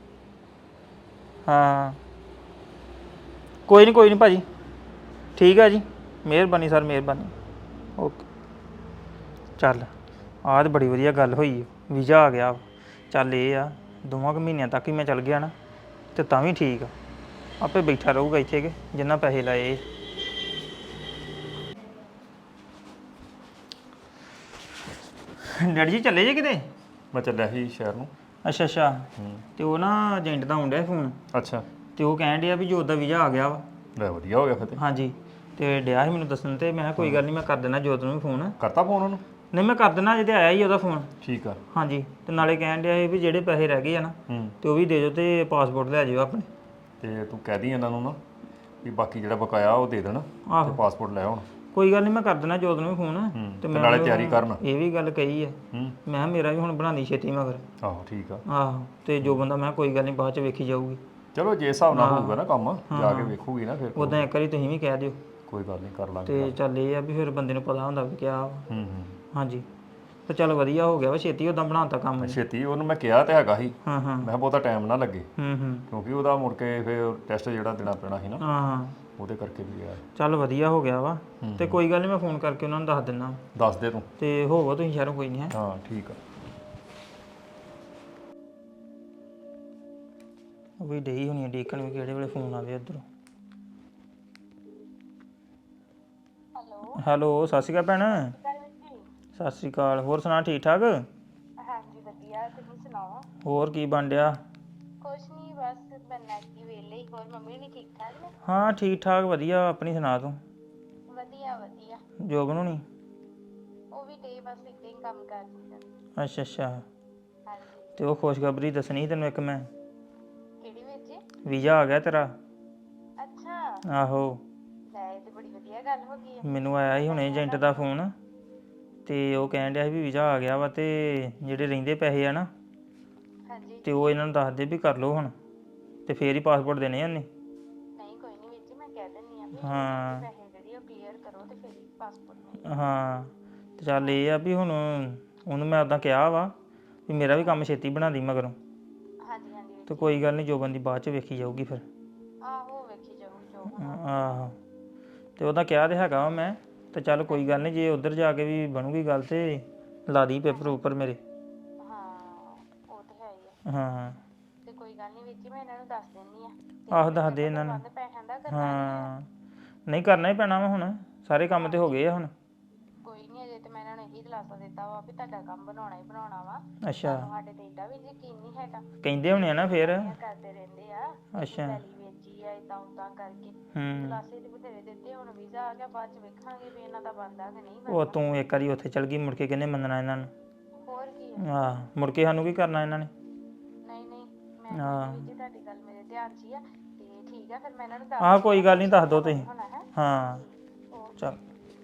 [SPEAKER 4] ਹਾਂ ਕੋਈ ਨਹੀਂ ਭਾਅ ਜੀ, ਠੀਕ ਹੈ ਜੀ, ਮਿਹਰਬਾਨੀ ਸਰ, ਮਿਹਰਬਾਨੀ। ਓਕੇ। ਚੱਲ ਆਹ ਤਾਂ ਬੜੀ ਵਧੀਆ ਗੱਲ ਹੋਈ, ਵੀਜ਼ਾ ਆ ਗਿਆ। ਚੱਲ ਇਹ ਆ 2 ਮਹੀਨਿਆਂ ਤੱਕ ਹੀ ਮੈਂ ਚੱਲ ਗਿਆ ਨਾ, ਤੇ ਤਾਂ ਵੀ ਠੀਕ ਆ, ਆਪੇ ਬੈਠਾ ਰਹੂਗਾ ਇੱਥੇ ਕਿ ਜਿੰਨਾ ਪੈਸੇ ਲਾਏ। ਡੈਡੀ ਜੀ ਚੱਲੇ ਜੇ ਕਿਤੇ?
[SPEAKER 5] ਮੈਂ ਚੱਲਿਆ ਸੀ ਸ਼ਹਿਰ ਨੂੰ।
[SPEAKER 4] ਅੱਛਾ ਅੱਛਾ, ਤੇ ਉਹ ਨਾ ਏਜੰਟ ਦਾ ਆਉਣ ਡਿਆ ਫੋਨ,
[SPEAKER 5] ਅੱਛਾ,
[SPEAKER 4] ਤੇ ਉਹ ਕਹਿਣ ਡਿਆ ਵੀ ਜੋਤ ਦਾ ਵੀਜ਼ਾ ਆ ਗਿਆ ਵਾ।
[SPEAKER 5] ਲੈ ਵਧੀਆ ਹੋ ਗਿਆ ਫਿਰ ਤੇ।
[SPEAKER 4] ਹਾਂਜੀ, ਤੇ ਡਿਆ ਸੀ ਮੈਨੂੰ ਦੱਸਣ, ਤੇ ਮੈਂ ਕਿਹਾ ਕੋਈ ਗੱਲ ਨਹੀਂ, ਮੈਂ ਕਰ ਦੇਣਾ ਜੋਤ ਨੂੰ ਵੀ ਫੋਨ।
[SPEAKER 5] ਕਰਤਾ ਫੋਨ ਉਹਨੂੰ?
[SPEAKER 4] ਨਹੀਂ ਮੈਂ ਕਰ ਦੇਣਾ, ਜਿਹਦੇ ਆਇਆ ਹੀ ਉਹਦਾ ਫੋਨ।
[SPEAKER 5] ਠੀਕ ਆ।
[SPEAKER 4] ਹਾਂਜੀ, ਤੇ ਨਾਲੇ ਕਹਿਣ ਡਿਆ ਸੀ ਵੀ ਜਿਹੜੇ ਪੈਸੇ ਰਹਿ ਗਏ ਆ ਨਾ, ਤੇ ਉਹ ਵੀ ਦੇ ਦਿਓ, ਤੇ ਪਾਸਪੋਰਟ ਲੈ ਜਾਇਓ ਆਪਣੇ।
[SPEAKER 5] ਤੇ ਤੂੰ ਕਹਿ ਦੀ ਇਹਨਾਂ ਨੂੰ ਨਾ ਵੀ ਬਾਕੀ ਜਿਹੜਾ ਬਕਾਇਆ ਉਹ ਦੇ ਦੇਣ, ਤੇ ਪਾਸਪੋਰਟ ਲੈ ਆਉਣ।
[SPEAKER 4] ਕੋਈ ਗੱਲ ਨਹੀਂ, ਮੈਂ ਕਰ ਦੇਣਾ ਜੋਤ ਨੂੰ ਵੀ ਫੋਨ।
[SPEAKER 5] ਤੇ ਨਾਲੇ ਤਿਆਰੀ ਕਰਨ।
[SPEAKER 4] ਇਹ ਵੀ ਗੱਲ ਕਹੀ ਆ, ਮੈਂ ਕਿਹਾ ਮੇਰਾ ਵੀ ਹੁਣ ਬਣਾਉਣੀ ਛੇਤੀ ਮਗਰ।
[SPEAKER 5] ਆਹੋ ਠੀਕ ਆ।
[SPEAKER 4] ਆਹੋ, ਤੇ ਜੋ ਬੰਦਾ ਮੈਂ ਕੋਈ ਗੱਲ ਨਹੀਂ ਬਾਅਦ ਚ ਵੇਖੀ ਜਾਊਗੀ।
[SPEAKER 5] ਚਲੋ ਜੇ ਹਿਸਾਬ ਨਾਲ ਹੋਊਗਾ ਨਾ ਕੰਮ, ਜਾ ਕੇ ਵੇਖੂਗੀ ਨਾ ਫਿਰ।
[SPEAKER 4] ਉਦਾਂ ਇੱਕ ਵਾਰੀ ਤੁਸੀਂ ਵੀ ਕਹਿ ਦਿਓ।
[SPEAKER 5] ਕੋਈ ਗੱਲ ਨਹੀਂ, ਕਰ ਲਾਂਗੇ।
[SPEAKER 4] ਤੇ ਚੱਲ ਇਹ ਆ ਵੀ ਫਿਰ ਬੰਦੇ ਨੂੰ ਪਤਾ ਹੁੰਦਾ ਵੀ ਕਿਆ। ਹਾਂਜੀ, ਤੇ ਚੱਲ ਵਧੀਆ ਹੋ ਗਿਆ ਵਾ, ਛੇਤੀ ਉਦਾਂ ਬਣਾਤਾ ਕੰਮ।
[SPEAKER 5] ਛੇਤੀ ਉਹਨੂੰ ਮੈਂ ਕਿਹਾ ਤੇ ਹੈਗਾ ਸੀ,
[SPEAKER 4] ਹਾਂ
[SPEAKER 5] ਮੈਂ ਕਿਹਾ ਬਹੁਤਾ ਟਾਈਮ ਨਾ ਲੱਗੇ,
[SPEAKER 4] ਹੂੰ
[SPEAKER 5] ਕਿਉਂਕਿ ਉਹਦਾ ਮੁੜ ਕੇ ਫਿਰ ਟੈਸਟ ਜਿਹੜਾ ਦੇਣਾ ਪੈਣਾ ਸੀ ਨਾ,
[SPEAKER 4] ਹਾਂ,
[SPEAKER 5] ਉਹਦੇ ਕਰਕੇ ਵੀ ਗਿਆ।
[SPEAKER 4] ਚੱਲ ਵਧੀਆ ਹੋ ਗਿਆ ਵਾ। ਤੇ ਕੋਈ ਗੱਲ ਨਹੀਂ, ਮੈਂ ਫੋਨ ਕਰਕੇ ਉਹਨਾਂ ਨੂੰ ਦੱਸ ਦਿੰਦਾ।
[SPEAKER 5] ਦੱਸ ਦੇ ਤੂੰ।
[SPEAKER 4] ਤੇ ਹੋਵੋ ਤੁਸੀਂ ਸ਼ਹਿਰੋਂ, ਕੋਈ ਨਹੀਂ ਹੈ।
[SPEAKER 5] ਹਾਂ ਠੀਕ ਆ।
[SPEAKER 4] ਉਹ ਵੀ ਡਈ ਹੋਣੀ ਆ ਡੀਕਨ ਵੀ ਕਿਹੜੇ ਵੇਲੇ ਫੋਨ ਆਵੇ ਉੱਧਰੋਂ। ਹੈਲੋ, ਸਤਿ ਸ਼੍ਰੀ ਅਕਾਲ ਭੈਣ। ਸਤਿ ਸ਼੍ਰੀ ਅਕਾਲ, ਹੋਰ ਸੁਣਾ, ਠੀਕ ਠਾਕ?
[SPEAKER 6] ਹਾਂਜੀ ਵਧੀਆ, ਤੁਸੀਂ ਸੁਣਾਓ?
[SPEAKER 4] ਹੋਰ ਕੀ ਬਣ ਡਿਆ?
[SPEAKER 6] ਕੁਛ ਨਹੀਂ, ਬਸ ਬੰਨਾ ਕੀ ਵੇਲੇ ਹੀ। ਹੋਰ ਮੰਮੀ ਨਹੀਂ ਠੀਕ ਠਾਕ ਨੇ?
[SPEAKER 4] ਹਾਂ ਠੀਕ ਠਾਕ ਵਧੀਆ, ਆਪਣੀ ਸੁਣਾ ਤੂੰ?
[SPEAKER 6] ਵਧੀਆ ਵਧੀਆ।
[SPEAKER 4] ਜੋਬ ਨੂੰ ਨਹੀਂ?
[SPEAKER 6] ਉਹ ਵੀ ਡੇ ਬਸ ਇੱਦਾਂ ਹੀ ਕੰਮ ਕਰ ਜੀ
[SPEAKER 4] ਅੱਛਾ ਅੱਛਾ।
[SPEAKER 6] ਹਾਂਜੀ।
[SPEAKER 4] ਤੇ ਉਹ ਖੁਸ਼ਖਬਰੀ ਦੱਸਣੀ ਸੀ ਤੈਨੂੰ ਇੱਕ ਮੈਂ,
[SPEAKER 6] ਕਿਹੜੀ ਵਿੱਚ ਜੀ?
[SPEAKER 4] ਵੀਜ਼ਾ ਆ ਗਿਆ ਤੇਰਾ।
[SPEAKER 6] ਅੱਛਾ,
[SPEAKER 4] ਆਹੋ,
[SPEAKER 6] ਲੈ ਇਹ ਤੇ ਬੜੀ ਵਧੀਆ ਗੱਲ ਹੋ ਗਈ ਹੈ।
[SPEAKER 4] ਮੈਨੂੰ ਆਇਆ ਸੀ ਹੁਣੇ ਏਜੰਟ ਦਾ ਫੋਨ, ਤੇ ਉਹ ਕਹਿਣ ਡਿਆ ਸੀ ਵੀ ਵੀਜ਼ਾ ਆ ਗਿਆ ਵਾ, ਤੇ ਜਿਹੜੇ ਰਹਿੰਦੇ ਪੈਸੇ ਆ ਨਾ,
[SPEAKER 6] ਹਾਂਜੀ।
[SPEAKER 4] ਤੇ ਉਹ ਇਹਨਾਂ ਨੂੰ ਦੱਸ ਦੇ ਵੀ ਕਰ ਲਓ ਹੁਣ, ਤੇ ਫੇਰ ਹੀ ਪਾਸਪੋਰਟ ਦੇਣੇ ਆ ਉਹਨੇ।
[SPEAKER 6] ਨਹੀਂ ਕੋਈ ਨਹੀਂ ਵੀਰ ਜੀ, ਮੈਂ ਕਹਿ ਦਿੰਦੀ ਆ ਵੀ
[SPEAKER 4] ਹਾਂ
[SPEAKER 6] ਪੈਸੇ ਜਿਹੜੇ ਉਹ ਕਲੀਅਰ ਕਰੋ ਤੇ ਫਿਰ ਪਾਸਪੋਰਟ ਮਿਲੇਗਾ।
[SPEAKER 4] ਹਾਂ, ਤੇ ਚੱਲ ਇਹ ਆ ਵੀ ਹੁਣ ਉਹਨੂੰ ਮੈਂ ਉਦਾਂ ਕਿਹਾ ਵਾ ਵੀ ਮੇਰਾ ਵੀ ਕੰਮ ਛੇਤੀ ਬਣਾ ਦੀ ਮਗਰੋਂ,
[SPEAKER 6] ਹਾਂਜੀ ਹਾਂਜੀ ਵੀਰ
[SPEAKER 4] ਤੇ
[SPEAKER 6] ਜੀ।
[SPEAKER 4] ਕੋਈ ਗੱਲ ਨਹੀਂ, ਜੋ ਬੰਦੀ ਬਾਅਦ ਚ ਵੇਖੀ ਜਾਊਗੀ ਫਿਰ।
[SPEAKER 6] ਆਹੋ ਵੇਖੀ ਜਾਓ ਜੋ ਹੋਣਾ।
[SPEAKER 4] ਆਹੋ, ਤੇ ਉਹਦਾ ਕਿਹਾ ਤੇ ਹੈਗਾ ਵਾ ਮੈਂ, ਤੇ ਚੱਲ ਕੋਈ ਗੱਲ ਨਹੀਂ, ਜੇ ਉੱਧਰ ਜਾ ਕੇ ਵੀ ਬਣੂਗੀ ਗੱਲ ਤੇ ਲਾ ਦੀ ਪੇਪਰ ਉੱਪਰ ਮੇਰੇ।
[SPEAKER 6] ਹਾਂ ਉਹ ਤਾਂ ਹੈ ਹੀ ਆ।
[SPEAKER 4] ਹਾਂ
[SPEAKER 6] ਤੇ ਕੋਈ ਗੱਲ ਨਹੀਂ ਵੀਰ ਜੀ, ਮੈਂ ਇਹਨਾਂ ਨੂੰ ਦੱਸ ਦਿੰਦੀ ਆ।
[SPEAKER 4] ਆਹੋ, ਦੱਸ ਦੇ ਇਹਨਾਂ ਨੂੰ।
[SPEAKER 6] ਬੰਦ ਪੈਸਿਆਂ ਦਾ ਕਰਨਾ
[SPEAKER 4] ਹਾਂ ਨਹੀਂ, ਕਰਨਾ ਹੀ ਪੈਣਾ ਵਾ ਹੁਣ, ਸਾਰੇ ਕੰਮ ਤੇ ਹੋ ਗਏ ਆ ਹੁਣ।
[SPEAKER 6] ਕੋਈ ਨਹੀਂ, ਅਜੇ ਤੇ ਮੈਂ ਇਹਨਾਂ ਨੂੰ ਇਹੀ ਦਿਲਾਸਾ ਦਿੱਤਾ ਵਾ ਵੀ ਤੁਹਾਡਾ ਕੰਮ ਬਣਾਉਣਾ ਹੀ ਬਣਾਉਣਾ ਵਾ।
[SPEAKER 4] ਅੱਛਾ,
[SPEAKER 6] ਤੁਹਾਨੂੰ ਸਾਡੇ ਤੇ ਏਡਾ ਵੀ ਯਕੀਨ ਨਹੀਂ ਹੈਗਾ।
[SPEAKER 4] ਕਹਿੰਦੇ ਹੋਣੇ ਆ ਨਾ ਫੇਰ।
[SPEAKER 6] ਇਹ ਕਰਦੇ ਰਹਿੰਦੇ ਆ
[SPEAKER 4] ਅੱਛਾ।
[SPEAKER 6] ਪਹਿਲੀ ਵੇਚੀ ਆ ਇਦਾਂ ਉਦਾਂ ਕਰਕੇ।
[SPEAKER 4] ਹੂੰ,
[SPEAKER 6] ਦਿਲਾਸੇ ਤੇ ਬਥੇਰੇ ਦਿੱਤੇ, ਹੁਣ ਵੀਜ਼ਾ ਆ ਗਿਆ, ਬਾਅਦ ਚ ਵੇਖਾਂਗੇ ਵੀ ਇਹਨਾਂ ਦਾ ਬਣਦਾ ਕਿ ਨਹੀਂ
[SPEAKER 4] ਉਹ
[SPEAKER 6] ਬਣਦਾ।
[SPEAKER 4] ਤੂੰ ਇੱਕ ਵਾਰੀ ਉੱਥੇ ਚਲ ਗਈ, ਮੁੜ ਕੇ ਕਿਹਨੇ ਮੰਨਣਾ ਇਹਨਾਂ ਨੂੰ?
[SPEAKER 6] ਹੋਰ ਕੀ ਆ।
[SPEAKER 4] ਆਹ, ਮੁੜ ਕੇ ਸਾਨੂੰ ਕੀ ਕਰਨਾ ਇਹਨਾਂ ਨੇ?
[SPEAKER 6] ਨਹੀਂ ਨਹੀਂ, ਮੈਂ ਵੀ ਜੀ ਤੁਹਾਡੀ ਗੱਲ ਮੇਰੇ ਧਿਆਨ 'ਚ ਹੀ ਆ। ਤੇ ਠੀਕ ਆ, ਫਿਰ ਮੈਂ ਇਹਨਾਂ ਨੂੰ ਦੱਸ
[SPEAKER 4] ਆਹ ਕੋਈ ਗੱਲ ਨਹੀਂ, ਦੱਸ ਦੋ ਤੁਸੀਂ।
[SPEAKER 6] ਹੋਣਾ ਹੈ।
[SPEAKER 4] ਹਾਂ ਚੱਲ,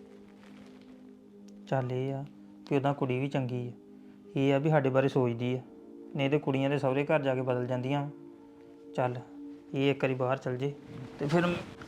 [SPEAKER 4] ਚੱਲ ਇਹ ਆ ਕਿ ਉਹਦਾ ਕੁੜੀ ਵੀ ਚੰਗੀ ਆ, ਇਹ ਆ ਵੀ ਸਾਡੇ ਬਾਰੇ ਸੋਚਦੀ ਆ, ਨਹੀਂ ਤੇ ਕੁੜੀਆਂ ਦੇ ਸਹੁਰੇ ਘਰ ਜਾ ਕੇ ਬਦਲ ਜਾਂਦੀਆਂ। ਚੱਲ ਇਹ ਇੱਕ ਵਾਰੀ ਬਾਹਰ ਚਲ ਜੇ ਤੇ ਫਿਰ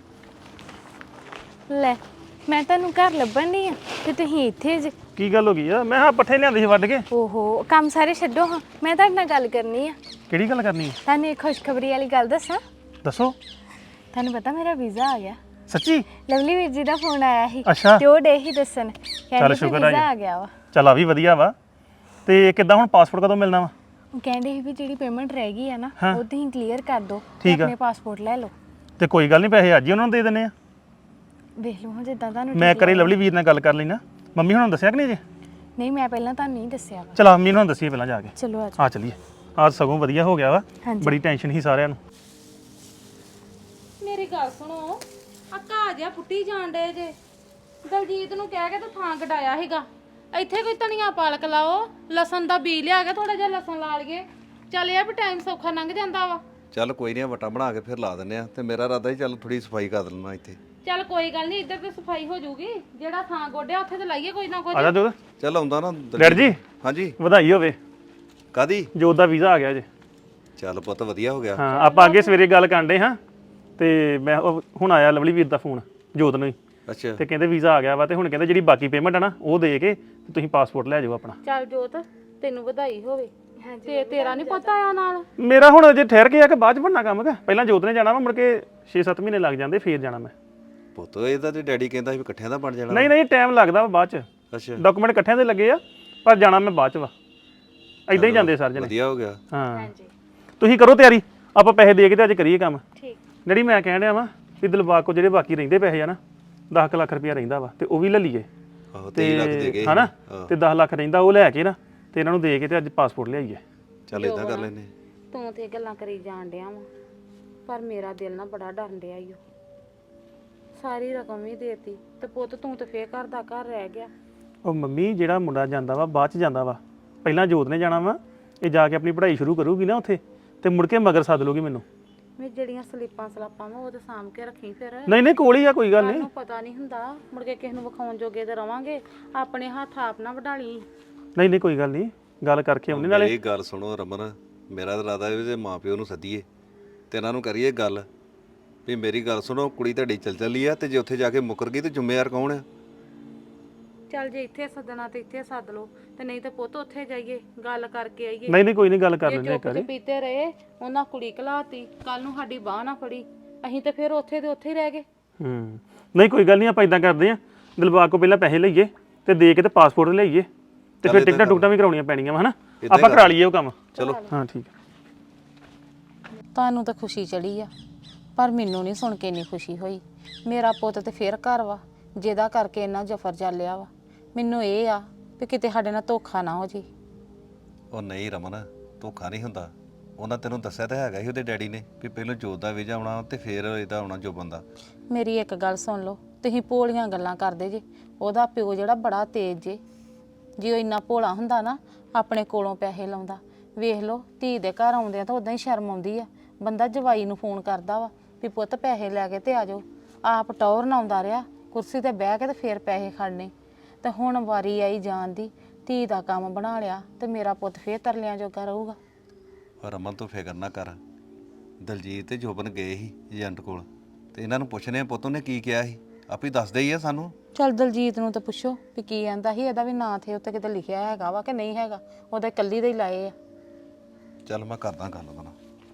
[SPEAKER 7] ਲੈ ਮੈਂ ਤੁਹਾਨੂੰ ਘਰ ਲੱਭਣ ਨਹੀਂ ਆ ਤੇ ਤੁਸੀਂ ਇੱਥੇ ਜੇ।
[SPEAKER 8] ਕੀ ਗੱਲ ਹੋ ਗਈ ਆ? ਮੈਂ ਹਾਂ ਪੱਠੇ ਲਿਆਂਦੇ ਸੀ ਵੱਢ ਕੇ।
[SPEAKER 7] ਓਹੋ, ਕੰਮ ਸਾਰੇ ਛੱਡੋ ਹਾਂ, ਮੈਂ ਤੁਹਾਡੇ ਨਾਲ ਗੱਲ ਕਰਨੀ ਆ।
[SPEAKER 8] ਕਿਹੜੀ ਗੱਲ ਕਰਨੀ ਹੈ?
[SPEAKER 7] ਤੁਹਾਨੂੰ ਇੱਕ ਖੁਸ਼ਖਬਰੀ ਵਾਲੀ ਗੱਲ ਦੱਸਾਂ।
[SPEAKER 8] ਦੱਸੋ।
[SPEAKER 7] ਤੁਹਾਨੂੰ ਪਤਾ ਮੇਰਾ ਵੀਜ਼ਾ ਆ ਗਿਆ।
[SPEAKER 8] ਸੱਚੀ?
[SPEAKER 7] ਲਵਲੀ ਵੀਰ ਜੀ ਦਾ ਫੋਨ ਆਇਆ ਸੀ
[SPEAKER 8] ਅੱਛਾ।
[SPEAKER 7] ਤੇ ਉਹ ਡੇ ਹੀ ਦੱਸਣ, ਕਹਿੰਦੇ
[SPEAKER 8] ਸ਼ੁਕਰ ਆ
[SPEAKER 7] ਵੀਜ਼ਾ
[SPEAKER 8] ਜੀ।
[SPEAKER 7] ਆ ਗਿਆ ਵਾ।
[SPEAKER 8] ਚੱਲ ਆ ਵੀ ਵਧੀਆ ਵਾ। ਤੇ ਕਿੱਦਾਂ ਹੁਣ ਪਾਸਪੋਰਟ ਕਦੋਂ ਮਿਲਣਾ ਵਾ?
[SPEAKER 7] ਉਹ ਕਹਿੰਦੇ ਸੀ ਵੀ ਜਿਹੜੀ ਪੇਮੈਂਟ ਰਹਿ ਗਈ ਆ ਨਾ,
[SPEAKER 8] ਹਾਂ।
[SPEAKER 7] ਉਹ ਤੁਸੀਂ ਕਲੀਅਰ ਕਰ ਦਿਓ ਤੇ
[SPEAKER 8] ਠੀਕ ਆ।
[SPEAKER 7] ਆਪਣੇ ਪਾਸਪੋਰਟ ਲੈ ਲਓ।
[SPEAKER 8] ਤੇ ਕੋਈ ਗੱਲ ਨਹੀਂ, ਪੈਸੇ ਅੱਜ ਹੀ ਉਹਨਾਂ ਨੂੰ ਦੇ ਦਿੰਨੇ ਆ।
[SPEAKER 7] ਵੇਖ ਲਓ ਹਾਂ ਜਿੱਦਾਂ ਤੁਹਾਨੂੰ
[SPEAKER 8] ਮੈਂ
[SPEAKER 7] ਠੀਕ
[SPEAKER 8] ਕਰੀ
[SPEAKER 7] ਲੱਗੇ।
[SPEAKER 8] ਲਵਲੀ ਵੀਰ ਨਾਲ ਗੱਲ ਕਰ ਲੈਣਾ। ਮੰਮੀ ਹੁਣਾਂ ਨੂੰ ਦੱਸਿਆ ਕਿ ਨਹੀਂ ਜੇ?
[SPEAKER 7] ਨਹੀਂ, ਮੈਂ ਪਹਿਲਾਂ ਤੁਹਾਨੂੰ ਨਹੀਂ ਦੱਸਿਆ ਵਾ।
[SPEAKER 8] ਚਲ ਮੰਮੀ ਨੂੰ ਦੱਸੀਏ ਪਹਿਲਾਂ ਜਾ ਕੇ।
[SPEAKER 7] ਚਲੋ ਆ
[SPEAKER 8] ਆ ਚਲੀਏ। ਅੱਜ ਸਗੋਂ ਵਧੀਆ ਹੋ ਗਿਆ ਵਾ।
[SPEAKER 7] ਹਾਂਜੀ।
[SPEAKER 8] ਬੜੀ ਟੈਨਸ਼ਨ ਸੀ ਸਾਰਿਆਂ ਨੂੰ।
[SPEAKER 1] ਮੇਰੀ ਗੱਲ ਸੁਣੋ, ਆ ਘਾਹ ਜਿਹਾ ਪੁੱਟੀ ਜਾਣ ਡੇ ਜੇ। ਦਲਜੀਤ ਨੂੰ ਕਹਿ ਕੇ ਤਾਂ ਥਾਂ ਕਢਾਇਆ ਸੀਗਾ, ਇੱਥੇ ਕੋਈ ਧਨੀਆ ਪਾਲਕ ਲਾਓ, ਲਸਣ ਦਾ ਬੀਜ ਲਿਆ ਕੇ ਥੋੜਾ ਜਿਹਾ ਲਸਣ ਲਾ ਲਈਏ। ਚੱਲ ਇਹ ਆ ਵੀ ਟਾਈਮ ਸੌਖਾ ਲੰਘ ਜਾਂਦਾ ਵਾ।
[SPEAKER 2] ਚੱਲ ਕੋਈ ਨਹੀਂ, ਵਟਾ ਬਣਾ ਕੇ ਫਿਰ ਲਾ ਦਿੰਨੇ ਆ। ਤੇ ਮੇਰਾ ਇਰਾਦਾ ਹੀ ਚੱਲ ਥੋੜੀ ਸਫਾਈ ਕਰ ਲੈਣਾ ਇੱਥੇ।
[SPEAKER 1] ਚੱਲ ਕੋਈ ਗੱਲ ਨਹੀਂ, ਇੱਧਰ ਤੇ ਸਫਾਈ ਹੋ ਜਾਊਗੀ, ਜਿਹੜਾ ਥਾਂ ਗੋਡਿਆ ਉੱਥੇ ਤੇ ਲਾਈਏ ਕੋਈ ਨਾ ਕੁਝ।
[SPEAKER 8] ਆ ਜਾ ਜੋਤ।
[SPEAKER 2] ਚੱਲ ਆਉਂਦਾ ਨਾ
[SPEAKER 8] ਡੈਡ ਜੀ
[SPEAKER 2] ਹਾਂਜੀ।
[SPEAKER 8] ਵਧਾਈ ਹੋਵੇ,
[SPEAKER 2] ਕਾਦੀ?
[SPEAKER 8] ਜੋਤ ਦਾ ਵੀਜ਼ਾ ਆ ਗਿਆ ਜੇ।
[SPEAKER 2] ਚੱਲ ਪੁੱਤ ਵਧੀਆ ਹੋ ਗਿਆ।
[SPEAKER 8] ਹਾਂ, ਆਪਾਂ ਅੱਗੇ ਸਵੇਰੇ ਗੱਲ ਕਰਦੇ ਹਾਂ, ਤੇ ਮੈਂ ਹੁਣ ਆਇਆ ਲਵਲੀ ਵੀਰ ਦਾ ਫੋਨ ਜੋਤ ਨੂੰ ਹੀ,
[SPEAKER 2] ਅੱਛਾ।
[SPEAKER 8] ਤੇ ਕਹਿੰਦੇ ਵੀਜ਼ਾ ਆ ਗਿਆ ਵਾ, ਤੇ ਹੁਣ ਕਹਿੰਦੇ ਜਿਹੜੀ ਬਾਕੀ ਪੇਮੈਂਟ ਆ ਨਾ ਉਹ ਦੇ ਕੇ ਤੇ ਤੁਸੀਂ ਪਾਸਪੋਰਟ ਲੈ ਜਾਓ ਆਪਣਾ।
[SPEAKER 1] ਚੱਲ ਜੋਤ, ਤੈਨੂੰ ਵਧਾਈ ਹੋਵੇ। ਤੇ ਤੇਰਾ ਨਹੀਂ ਪਤਾ ਆ ਨਾਲ?
[SPEAKER 8] ਮੇਰਾ ਹੁਣ ਅਜੇ ਠਹਿਰ ਕੇ ਆ ਕਿ ਬਾਅਦ ਚ ਬਣਨਾ ਕੰਮ ਕਿ ਪਹਿਲਾਂ ਜੋਤ ਨੇ ਜਾਣਾ ਵਾ, ਮੁੜ ਕੇ 6-7 ਮਹੀਨੇ ਲੱਗ ਜਾਂਦੇ, ਫੇਰ ਜਾਣਾ ਮੈਂ।
[SPEAKER 2] ਪੁੱਤ ਇਹਦਾ ਤੇ ਡੈਡੀ ਕਹਿੰਦਾ ਸੀ ਵੀ ਇਕੱਠਿਆਂ ਦਾ ਬਣ ਜਾਣਾ।
[SPEAKER 8] ਨਹੀਂ ਨਹੀਂ, ਟਾਈਮ ਲੱਗਦਾ ਵਾ ਬਾਅਦ ਚ।
[SPEAKER 2] ਅੱਛਾ।
[SPEAKER 8] ਡਾਕੂਮੈਂਟ ਇਕੱਠਿਆਂ ਦੇ ਲੱਗੇ ਆ, ਪਰ ਜਾਣਾ ਮੈਂ ਬਾਅਦ ਚ ਵਾ। ਇਦਾਂ ਹੀ ਜਾਂਦੇ ਸਰ ਜਣੇ।
[SPEAKER 2] ਵਧੀਆ ਹੋ ਗਿਆ।
[SPEAKER 8] ਹਾਂ, ਤੁਸੀਂ ਕਰੋ ਤਿਆਰੀ, ਆਪਾਂ ਪੈਸੇ ਦੇ ਕੇ ਤੇ ਅੱਜ ਕਰੀਏ ਕੰਮ।
[SPEAKER 7] ਠੀਕ।
[SPEAKER 8] ਜਿਹੜੀ ਮੈਂ ਕਹਿਣ ਡਿਆ ਵਾ ਵੀ ਦਿਲਬਾਗ ਕੋ ਜਿਹੜੇ ਬਾਕੀ ਰਹਿੰਦੇ ਪੈਸੇ ਆ ਨਾ, 10 ਲੱਖ ਰੁਪਇਆ ਰਹਿੰਦਾ ਵਾ, ਤੇ ਉਹ ਵੀ ਲੈ ਲਈਏ।
[SPEAKER 2] ਆਹੋ 23 ਲੱਖ ਦੇ ਗਏ।
[SPEAKER 8] ਹਨਾ, ਤੇ 10 ਲੱਖ ਰਹਿੰਦਾ, ਉਹ ਲੈ ਕੇ ਨਾ ਤੇ ਇਹਨਾਂ ਨੂੰ ਦੇ ਕੇ ਤੇ ਅੱਜ ਪਾਸਪੋਰਟ ਲਿਆਈਏ।
[SPEAKER 2] ਚੱਲ ਇਦਾਂ ਕਰ ਲੈਨੇ।
[SPEAKER 1] ਤੂੰ ਤੇ ਗੱਲਾਂ ਕਰੀ ਜਾਣ ਡਿਆ ਵਾ, ਪਰ ਮੇਰਾ ਦਿਲ ਨਾ ਬੜਾ ਡਰਨ ਡਿਆ ਈ ਓ। ਸਾਰੀ ਰਕਮ ਵੀ ਦੇਤੀ ਤੇ ਪੁੱਤ ਤੂੰ ਤੇ ਫੇਰ ਘਰ ਦਾ ਘਰ ਰਹਿ ਗਿਆ।
[SPEAKER 8] ਉਹ ਮੰਮੀ, ਜਿਹੜਾ ਮੁੰਡਾ ਜਾਂਦਾ ਵਾ ਬਾਅਦ ਚ ਜਾਂਦਾ ਵਾ, ਪਹਿਲਾਂ ਜੋਤ ਨੇ ਜਾਣਾ ਵਾ, ਇਹ ਜਾ ਕੇ ਆਪਣੀ ਪੜ੍ਹਾਈ ਸ਼ੁਰੂ ਕਰੂਗੀ ਨਾ ਉੱਥੇ, ਤੇ ਮੁੜ ਕੇ ਮਗਰ ਸੱਦ ਲੂਗੀ ਮੈਨੂੰ।
[SPEAKER 1] ਮੈਂ ਜਿਹੜੀਆਂ ਸਲਾਪਾਂ ਵਾ ਉਹ ਤੇ ਸਾਂਭ ਕੇ ਰੱਖੀ ਫਿਰ।
[SPEAKER 8] ਨਹੀਂ ਨਹੀਂ, ਕੋਲ ਹੀ ਆ, ਕੋਈ ਗੱਲ ਨਹੀਂ।
[SPEAKER 1] ਸਾਨੂੰ ਪਤਾ ਨਹੀਂ ਹੁੰਦਾ, ਮੁੜ ਕੇ ਕਿਸੇ ਨੂੰ ਵਿਖਾਉਣ ਜੋਗੇ ਤੇ ਰਵਾਂਗੇ, ਆਪਣੇ ਹੱਥ ਆਪ ਨਾ ਵਢਾ ਲਈ।
[SPEAKER 8] ਨਹੀਂ ਨਹੀਂ, ਕੋਈ ਗੱਲ ਨਹੀਂ, ਗੱਲ ਕਰਕੇ ਆਉਂਦੇ ਨਾਲੇ।
[SPEAKER 2] ਮੇਰੀ ਗੱਲ ਸੁਣੋ ਰਮਨ, ਮੇਰਾ ਤਾਂ ਇਰਾਦਾ ਵੀ ਤੇ ਮਾਪਿਓ ਨੂੰ ਸੱਦੀਏ ਤੇ ਇਹਨਾਂ ਨੂੰ ਕਰੀਏ ਗੱਲ ਵੀ ਮੇਰੀ ਗੱਲ ਸੁਣੋ, ਕੁੜੀ ਤੁਹਾਡੀ ਚੱਲ ਚੱਲੀ ਆ, ਤੇ ਜੇ ਉੱਥੇ ਜਾ ਕੇ ਮੁੱਕਰ ਗਈ ਤੇ ਜ਼ਿੰਮੇਵਾਰ ਕੌਣ ਆ?
[SPEAKER 1] ਚੱਲ ਜੇ ਇੱਥੇ ਸੱਦਣਾ ਤੇ ਇੱਥੇ ਸੱਦ ਲਓ, ਤੇ ਨਹੀਂ ਤੇ ਪੁੱਤ ਉੱਥੇ ਜਾਈਏ, ਗੱਲ ਕਰਕੇ ਆਈਏ।
[SPEAKER 8] ਨਹੀਂ ਨਹੀਂ, ਕੋਈ ਨਹੀਂ, ਗੱਲ ਕਰ
[SPEAKER 1] ਜੇ
[SPEAKER 8] ਲੈਂਦੇ ਇੱਕ
[SPEAKER 1] ਚੁੱਪ
[SPEAKER 8] ਵਾਰੀ।
[SPEAKER 1] ਪੀਤੇ ਰਹੇ, ਉਹਨਾਂ ਕੁੜੀ ਘਲਾਤੀ, ਕੱਲ ਨੂੰ ਸਾਡੀ ਬਾਹ ਨਾ ਫੜੀ, ਅਸੀਂ ਤੇ ਫਿਰ ਉੱਥੇ ਦੇ ਉੱਥੇ ਹੀ ਰਹਿ ਗਏ।
[SPEAKER 8] ਨਹੀਂ ਕੋਈ ਗੱਲ ਨਹੀਂ, ਆਪਾਂ ਇਦਾਂ ਕਰਦੇ ਆ, ਦਿਲਬਾਗ ਕੋ ਪਹਿਲਾਂ ਪੈਸੇ ਲਈਏ ਤੇ ਦੇ ਕੇ ਤੇ ਪਾਸਪੋਰਟ ਲਈਏ, ਤੇ ਫਿਰ ਟਿਕਟਾਂ ਟੁਕਟਾਂ ਵੀ ਕਰਾਉਣੀਆਂ ਪੈਣੀਆਂ ਵਾ, ਹਨਾ। ਆਪਾਂ ਕਰਾ ਲਈਏ ਉਹ ਕੰਮ।
[SPEAKER 2] ਚਲੋ।
[SPEAKER 8] ਹਾਂ ਠੀਕ ਹੈ।
[SPEAKER 1] ਤੁਹਾਨੂੰ ਤਾਂ ਖੁਸ਼ੀ ਚੜੀ ਆ, ਪਰ ਮੈਨੂੰ ਨਹੀਂ ਸੁਣ ਕੇ ਇੰਨੀ ਖੁਸ਼ੀ ਹੋਈ। ਮੇਰਾ ਪੁੱਤ ਤੇ ਫੇਰ ਘਰ ਵਾ, ਜਿਹਦਾ ਕਰਕੇ ਇੰਨਾ ਜਫਰ ਚੱਲਿਆ ਵਾ। ਮੈਨੂੰ ਇਹ ਆ ਵੀ ਕਿਤੇ ਸਾਡੇ ਨਾਲ ਧੋਖਾ ਨਾ ਹੋ ਜੇ।
[SPEAKER 2] ਉਹ ਨਹੀਂ ਰਮਨ, ਧੋਖਾ ਨਹੀਂ ਹੁੰਦਾ। ਉਹਨਾਂ ਤੈਨੂੰ ਦੱਸਿਆ ਤਾਂ ਹੈਗਾ ਸੀ ਉਹਦੇ ਡੈਡੀ ਨੇ ਵੀ ਪਹਿਲਾਂ ਜੋਤ ਦਾ ਵੀਜ਼ਾ ਆਉਣਾ ਤੇ ਫਿਰ ਇਹਦਾ ਆਉਣਾ ਜੋ ਬੰਦਾ।
[SPEAKER 1] ਮੇਰੀ ਇੱਕ ਗੱਲ ਸੁਣ ਲਓ, ਤੁਸੀਂ ਭੋਲੀਆਂ ਗੱਲਾਂ ਕਰਦੇ ਜੇ। ਉਹਦਾ ਪਿਓ ਜਿਹੜਾ ਬੜਾ ਤੇਜ਼ ਜੇ, ਜੇ ਉਹ ਇੰਨਾ ਭੋਲਾ ਹੁੰਦਾ ਨਾ ਆਪਣੇ ਕੋਲੋਂ ਪੈਸੇ ਲਾਉਂਦਾ। ਵੇਖ ਲਓ ਧੀ ਦੇ ਘਰ ਆਉਂਦੇ ਆ ਤਾਂ ਉਦਾਂ ਹੀ ਸ਼ਰਮ ਆਉਂਦੀ ਆ। ਬੰਦਾ ਜਵਾਈ ਨੂੰ ਫੋਨ ਕਰਦਾ ਵਾ ਵੀ ਪੁੱਤ ਪੈਸੇ ਲੈ ਕੇ ਤੇ ਆ ਜਾਓ। ਆਪ ਟੌਰ ਨਾ ਆਉਂਦਾ ਰਿਹਾ ਕੁਰਸੀ ਤੇ ਬਹਿ ਕੇ ਤੇ ਫੇਰ ਪੈਸੇ ਖੜਨੇ। ਤੇ ਹੁਣ ਵਾਰੀ ਆਈ ਜਾਣ ਦੀ, ਧੀ ਦਾ ਕੰਮ ਬਣਾ ਲਿਆ ਤੇ ਮੇਰਾ ਪੁੱਤ ਫੇਰ ਤਰਲਿਆਂ ਜੋਗਾ ਰਹੂਗਾ।
[SPEAKER 2] ਰਮਨ ਤੂੰ ਫਿਕਰ ਨਾ ਕਰ, ਦਲਜੀਤ ਤੇ ਜੋਬਨ ਗਏ ਸੀ ਏਜੰਟ ਕੋਲ ਤੇ ਇਹਨਾਂ ਨੂੰ ਪੁੱਛਨੇ ਆ ਪੁੱਤ ਉਹਨੇ ਕੀ ਕਿਹਾ ਸੀ, ਆਪੇ ਦੱਸਦੇ ਹੀ ਆ ਸਾਨੂੰ।
[SPEAKER 1] ਚੱਲ ਦਲਜੀਤ ਨੂੰ ਤਾਂ ਪੁੱਛੋ ਵੀ ਕੀ ਆਂਦਾ ਸੀ। ਇਹਦਾ ਵੀ ਨਾਂ ਥੇ ਉੱਤੇ ਕਿਤੇ ਲਿਖਿਆ ਹੈਗਾ ਵਾ ਕਿ ਨਹੀਂ ਹੈਗਾ, ਉਹਦੇ ਕੱਲੀ ਦੇ ਹੀ ਲਾਏ ਆ।
[SPEAKER 2] ਚੱਲ ਮੈਂ ਕਰਦਾ ਗੱਲ ਉਹਦੇ ਨਾਲ।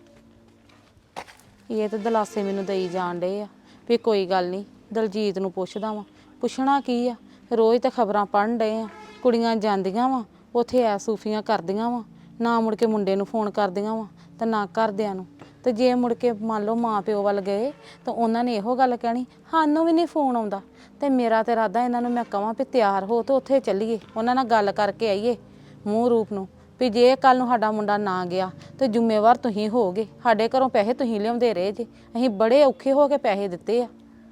[SPEAKER 1] ਇਹ ਤਾਂ ਦਲਾਸੇ ਮੈਨੂੰ ਦੇਈ ਜਾਣ ਡੇ ਆ ਵੀ ਕੋਈ ਗੱਲ ਨਹੀਂ, ਦਲਜੀਤ ਨੂੰ ਪੁੱਛਦਾ ਵਾਂ। ਪੁੱਛਣਾ ਕੀ ਆ, ਰੋਜ਼ ਤਾਂ ਖਬਰਾਂ ਪੜ੍ਹਨ ਡਏ ਆ, ਕੁੜੀਆਂ ਜਾਂਦੀਆਂ ਵਾ ਉੱਥੇ ਐ ਸੂਫੀਆਂ ਕਰਦੀਆਂ ਵਾ, ਨਾ ਮੁੜ ਕੇ ਮੁੰਡੇ ਨੂੰ ਫੋਨ ਕਰਦੀਆਂ ਵਾ ਤੇ ਨਾ ਘਰਦਿਆਂ ਨੂੰ। ਤੇ ਜੇ ਮੁੜ ਕੇ ਮੰਨ ਲਓ ਮਾਂ ਪਿਓ ਵੱਲ ਗਏ ਤਾਂ ਉਹਨਾਂ ਨੇ ਇਹੋ ਗੱਲ ਕਹਿਣੀ ਸਾਨੂੰ ਵੀ ਨਹੀਂ ਫੋਨ ਆਉਂਦਾ। ਤੇ ਮੇਰਾ ਤੇ ਇਰਾਦਾ ਇਹਨਾਂ ਨੂੰ ਮੈਂ ਕਹਾਂ ਵੀ ਤਿਆਰ ਹੋ ਤੇ ਉੱਥੇ ਚੱਲੀਏ, ਉਹਨਾਂ ਨਾਲ ਗੱਲ ਕਰਕੇ ਆਈਏ ਮੂੰਹ ਰੂਪ ਨੂੰ ਵੀ ਜੇ ਕੱਲ ਨੂੰ ਸਾਡਾ ਮੁੰਡਾ ਨਾ ਗਿਆ ਤੇ ਜ਼ਿੰਮੇਵਾਰ ਤੁਸੀਂ ਹੋਗੇ। ਸਾਡੇ ਘਰੋਂ ਪੈਸੇ ਤੁਸੀਂ ਲਿਆਉਂਦੇ ਰਹੇ ਜੇ, ਅਸੀਂ ਬੜੇ ਔਖੇ ਹੋ ਕੇ ਪੈਸੇ ਦਿੱਤੇ ਆ।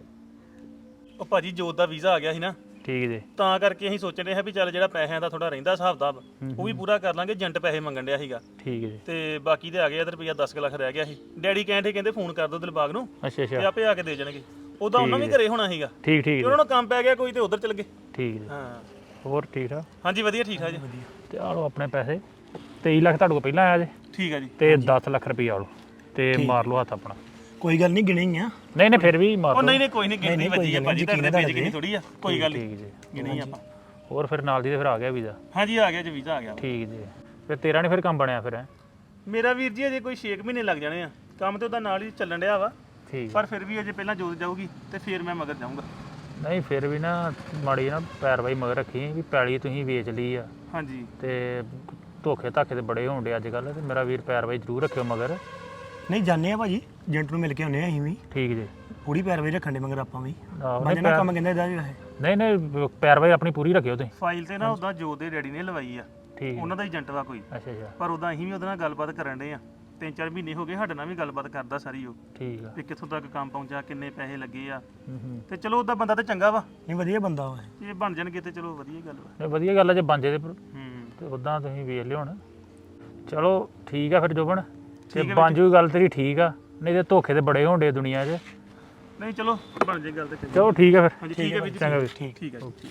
[SPEAKER 8] ਉਹ ਭਾਜੀ ਜੋਤ ਦਾ ਵੀਜ਼ਾ ਆ ਗਿਆ ਸੀ ਨਾ,
[SPEAKER 4] ਠੀਕ ਜੀ।
[SPEAKER 8] ਤਾਂ ਕਰਕੇ ਅਸੀਂ ਸੋਚਣ ਰਹੇ ਹਾਂ ਵੀ ਚੱਲ ਜਿਹੜਾ ਪੈਸਿਆਂ ਦਾ ਥੋੜਾ ਰਹਿੰਦਾ ਹਿਸਾਬ ਦਾ ਉਹ ਵੀ ਪੂਰਾ ਕਰ ਲਾਂਗੇ। ਏਜੰਟ ਪੈਸੇ ਮੰਗਣ ਡਿਆ ਸੀਗਾ
[SPEAKER 4] ਠੀਕ ਜੀ।
[SPEAKER 8] ਤੇ ਬਾਕੀ ਤੇ ਆ ਗਏ ਆ ਤੇ ਰੁਪਈਆ 10 ਲੱਖ ਰਹਿ ਗਿਆ ਸੀ। ਡੈਡੀ ਕਹਿੰਦੇ ਫੋਨ ਕਰ ਦਿਓ ਦਿਲਬਾਗ ਨੂੰ
[SPEAKER 4] ਅੱਛਾ
[SPEAKER 8] ਤੇ
[SPEAKER 4] ਅੱਛਾ
[SPEAKER 8] ਆਪੇ ਆ ਕੇ ਦੇ ਜਾਣਗੇ। ਉਹਦਾ ਉਹਨਾਂ ਵੀ ਘਰੇ ਹੋਣਾ ਸੀਗਾ
[SPEAKER 4] ਠੀਕ ਠੀਕ
[SPEAKER 8] ਤੇ ਉਹਨਾਂ ਨੂੰ ਕੰਮ ਪੈ ਗਿਆ ਕੋਈ ਤੇ ਉਧਰ ਚਲ ਗਏ।
[SPEAKER 4] ਠੀਕ ਜੀ।
[SPEAKER 8] ਹਾਂ
[SPEAKER 4] ਹੋਰ ਠੀਕ ਠਾਕ?
[SPEAKER 8] ਹਾਂਜੀ ਵਧੀਆ ਠੀਕ ਠਾਕ ਜੀ।
[SPEAKER 4] ਤੇ ਆ ਲਓ ਆਪਣੇ ਪੈਸੇ। 23 ਲੱਖ ਤੁਹਾਡੇ ਕੋਲ ਪਹਿਲਾਂ ਆਇਆ ਜੇ
[SPEAKER 8] ਠੀਕ ਆ ਜੀ।
[SPEAKER 4] ਤੇ 10 ਲੱਖ ਰੁਪਈਆ ਆ ਲਓ ਤੇ ਮਾਰ ਲਓ ਹੱਥ ਆਪਣਾ।
[SPEAKER 9] ਕੋਈ ਗੱਲ ਨਹੀਂ, ਗਿਣੇ ਹੀ ਆ।
[SPEAKER 4] ਨਹੀਂ ਨਹੀਂ ਫਿਰ ਵੀ ਮਾਰ
[SPEAKER 8] ਉਹ
[SPEAKER 4] ਲਓ।
[SPEAKER 8] ਨਹੀਂ ਕੋਈ ਨਹੀਂ ਗਿਣਤੀ ਵੱਜੀ ਆ ਭਾਜੀ, ਤੁਹਾਡੇ ਪੇਜ ਕਿੰਨੀ ਥੋੜੀ ਆ। ਕੋਈ ਗੱਲ
[SPEAKER 4] ਠੀਕ
[SPEAKER 8] ਨਹੀਂ
[SPEAKER 4] ਜੀ।
[SPEAKER 8] ਗਿਣੀ ਆਪਾਂ।
[SPEAKER 4] ਹੋਰ ਫਿਰ ਨਾਲ ਦੀ ਤੇ ਫਿਰ ਆ ਗਿਆ ਵੀਜ਼ਾ?
[SPEAKER 8] ਹਾਂਜੀ ਆ ਗਿਆ ਜੀ ਵੀਜ਼ਾ ਆ ਗਿਆ।
[SPEAKER 4] ਠੀਕ ਜੀ। ਫਿਰ ਤੇਰਾ ਨਹੀਂ ਫਿਰ ਕੰਮ ਬਣਿਆ ਫਿਰ?
[SPEAKER 8] ਮੇਰਾ ਵੀਰ ਜੀ ਅਜੇ ਕੋਈ 6 ਮਹੀਨੇ ਲੱਗ ਜਾਣੇ ਆ। ਕੰਮ ਤੇ ਉਹਦਾ ਨਾਲ ਹੀ ਚੱਲਣ ਡਿਆ ਵਾ,
[SPEAKER 4] ਠੀਕ।
[SPEAKER 8] ਪਰ ਫਿਰ ਵੀ ਅਜੇ ਪਹਿਲਾਂ ਜੋਤ ਜਾਊਗੀ ਤੇ ਫਿਰ ਮੈਂ ਮਗਰ ਜਾਊਂਗਾ।
[SPEAKER 4] ਨਹੀਂ ਫਿਰ ਵੀ ਨਾ ਮਾੜੀ ਨਾ ਪੈਰਵਾਈ ਮਗਰ ਰੱਖੀ ਵੀ ਪੈਲੀ ਤੁਸੀਂ ਵੇਚ ਲਈ ਆ
[SPEAKER 8] ਹਾਂਜੀ
[SPEAKER 4] ਤੇ ਧੋਖੇ ਧਾਖੇ ਤੇ ਬੜੇ ਹੋਣ ਡੇ ਅੱਜ ਕੱਲ੍ਹ। ਤੇ ਮੇਰਾ ਵੀਰ ਪੈਰਵਾਈ ਜ਼ਰੂਰ ਰੱਖਿਓ ਮਗਰ।
[SPEAKER 9] ਨਹੀਂ ਜਾਂਦੇ ਆ ਭਾਜੀ, ਏਜੰਟ ਨੂੰ ਮਿਲ ਕੇ ਆਉਂਦੇ ਆ ਅਸੀਂ ਵੀ।
[SPEAKER 4] ਠੀਕ ਜੀ।
[SPEAKER 9] ਪੂਰੀ ਪੈਰਵਾਈ ਰੱਖਣ ਦੇ ਮਗਰ ਆਪਾਂ ਵੀ।
[SPEAKER 4] ਆਹੋ,
[SPEAKER 9] ਬੰਦੇ ਨਾਲ ਕੰਮ ਕਹਿੰਦਾ ਇਹਦਾ ਵੀ ਵੈਸੇ।
[SPEAKER 4] ਨਹੀਂ ਨਹੀਂ ਪੈਰਵਾਈ ਆਪਣੀ ਪੂਰੀ ਰੱਖਿਓ ਤੁਸੀਂ।
[SPEAKER 8] ਫਾਈਲ ਤੇ ਨਾ ਉਹਦਾ ਜੋਤ ਦੇ ਡੈਡੀ ਨੇ ਲਵਾਈ ਆ,
[SPEAKER 4] ਠੀਕ।
[SPEAKER 8] ਉਹਨਾਂ ਦਾ ਏਜੰਟ ਵਾ ਕੋਈ।
[SPEAKER 4] ਅੱਛਾ ਅੱਛਾ
[SPEAKER 8] ਪਰ ਉਦਾਂ ਅਸੀਂ ਵੀ ਉਹਦੇ ਨਾਲ ਗੱਲਬਾਤ ਕਰਨ ਡੇ ਆ। 3-4 ਮਹੀਨੇ ਹੋ ਗਏ ਸਾਡੇ ਨਾਲ ਵੀ ਗੱਲਬਾਤ ਕਰਦਾ ਸਾਰੀ ਉਹ
[SPEAKER 4] ਠੀਕ ਆ।
[SPEAKER 8] ਵੀ ਕਿੱਥੋਂ ਤੱਕ ਕੰਮ ਪਹੁੰਚਾ, ਕਿੰਨੇ ਪੈਸੇ ਲੱਗੇ ਆ।
[SPEAKER 4] ਹੂੰ।
[SPEAKER 8] ਤੇ ਚਲੋ ਉਹਦਾ ਬੰਦਾ ਤਾਂ ਚੰਗਾ ਵਾ,
[SPEAKER 9] ਨਹੀਂ ਵਧੀਆ ਬੰਦਾ ਵਾ ਇਹ।
[SPEAKER 8] ਜੇ ਬਣ ਜਾਣਗੇ ਤੇ ਚਲੋ ਵਧੀਆ ਗੱਲ ਵਾ।
[SPEAKER 4] ਨਹੀਂ ਵਧੀਆ ਗੱਲ ਆ ਜੇ ਬਣ ਜੇ
[SPEAKER 8] ਹੂੰ
[SPEAKER 4] ਤੇ ਉਦਾਂ ਤੁਸੀਂ ਵੇਖ ਲਿਓ ਹੁਣ। ਚਲੋ ਠੀਕ ਆ ਫਿਰ ਜੋਬਨ, ਤੇ ਬਣ ਜੂ ਗੱਲ ਤੇਰੀ ਠੀਕ ਆ। ਨਹੀਂ ਤੇ ਧੋਖੇ ਤੇ ਬੜੇ ਹੋਣ ਡੇ ਦੁਨੀਆ 'ਚ।
[SPEAKER 8] ਨਹੀਂ ਚਲੋ ਬਣ ਜੇ ਗੱਲ ਤੇ ਚੰਗੀ।
[SPEAKER 4] ਚਲੋ ਠੀਕ ਆ ਫਿਰ।
[SPEAKER 8] ਹਾਂਜੀ ਠੀਕ ਹੈ ਵੀਰ ਜੀ।
[SPEAKER 4] ਚੰਗਾ ਵੀਰ।
[SPEAKER 8] ਠੀਕ ਹੈ ਜੀ।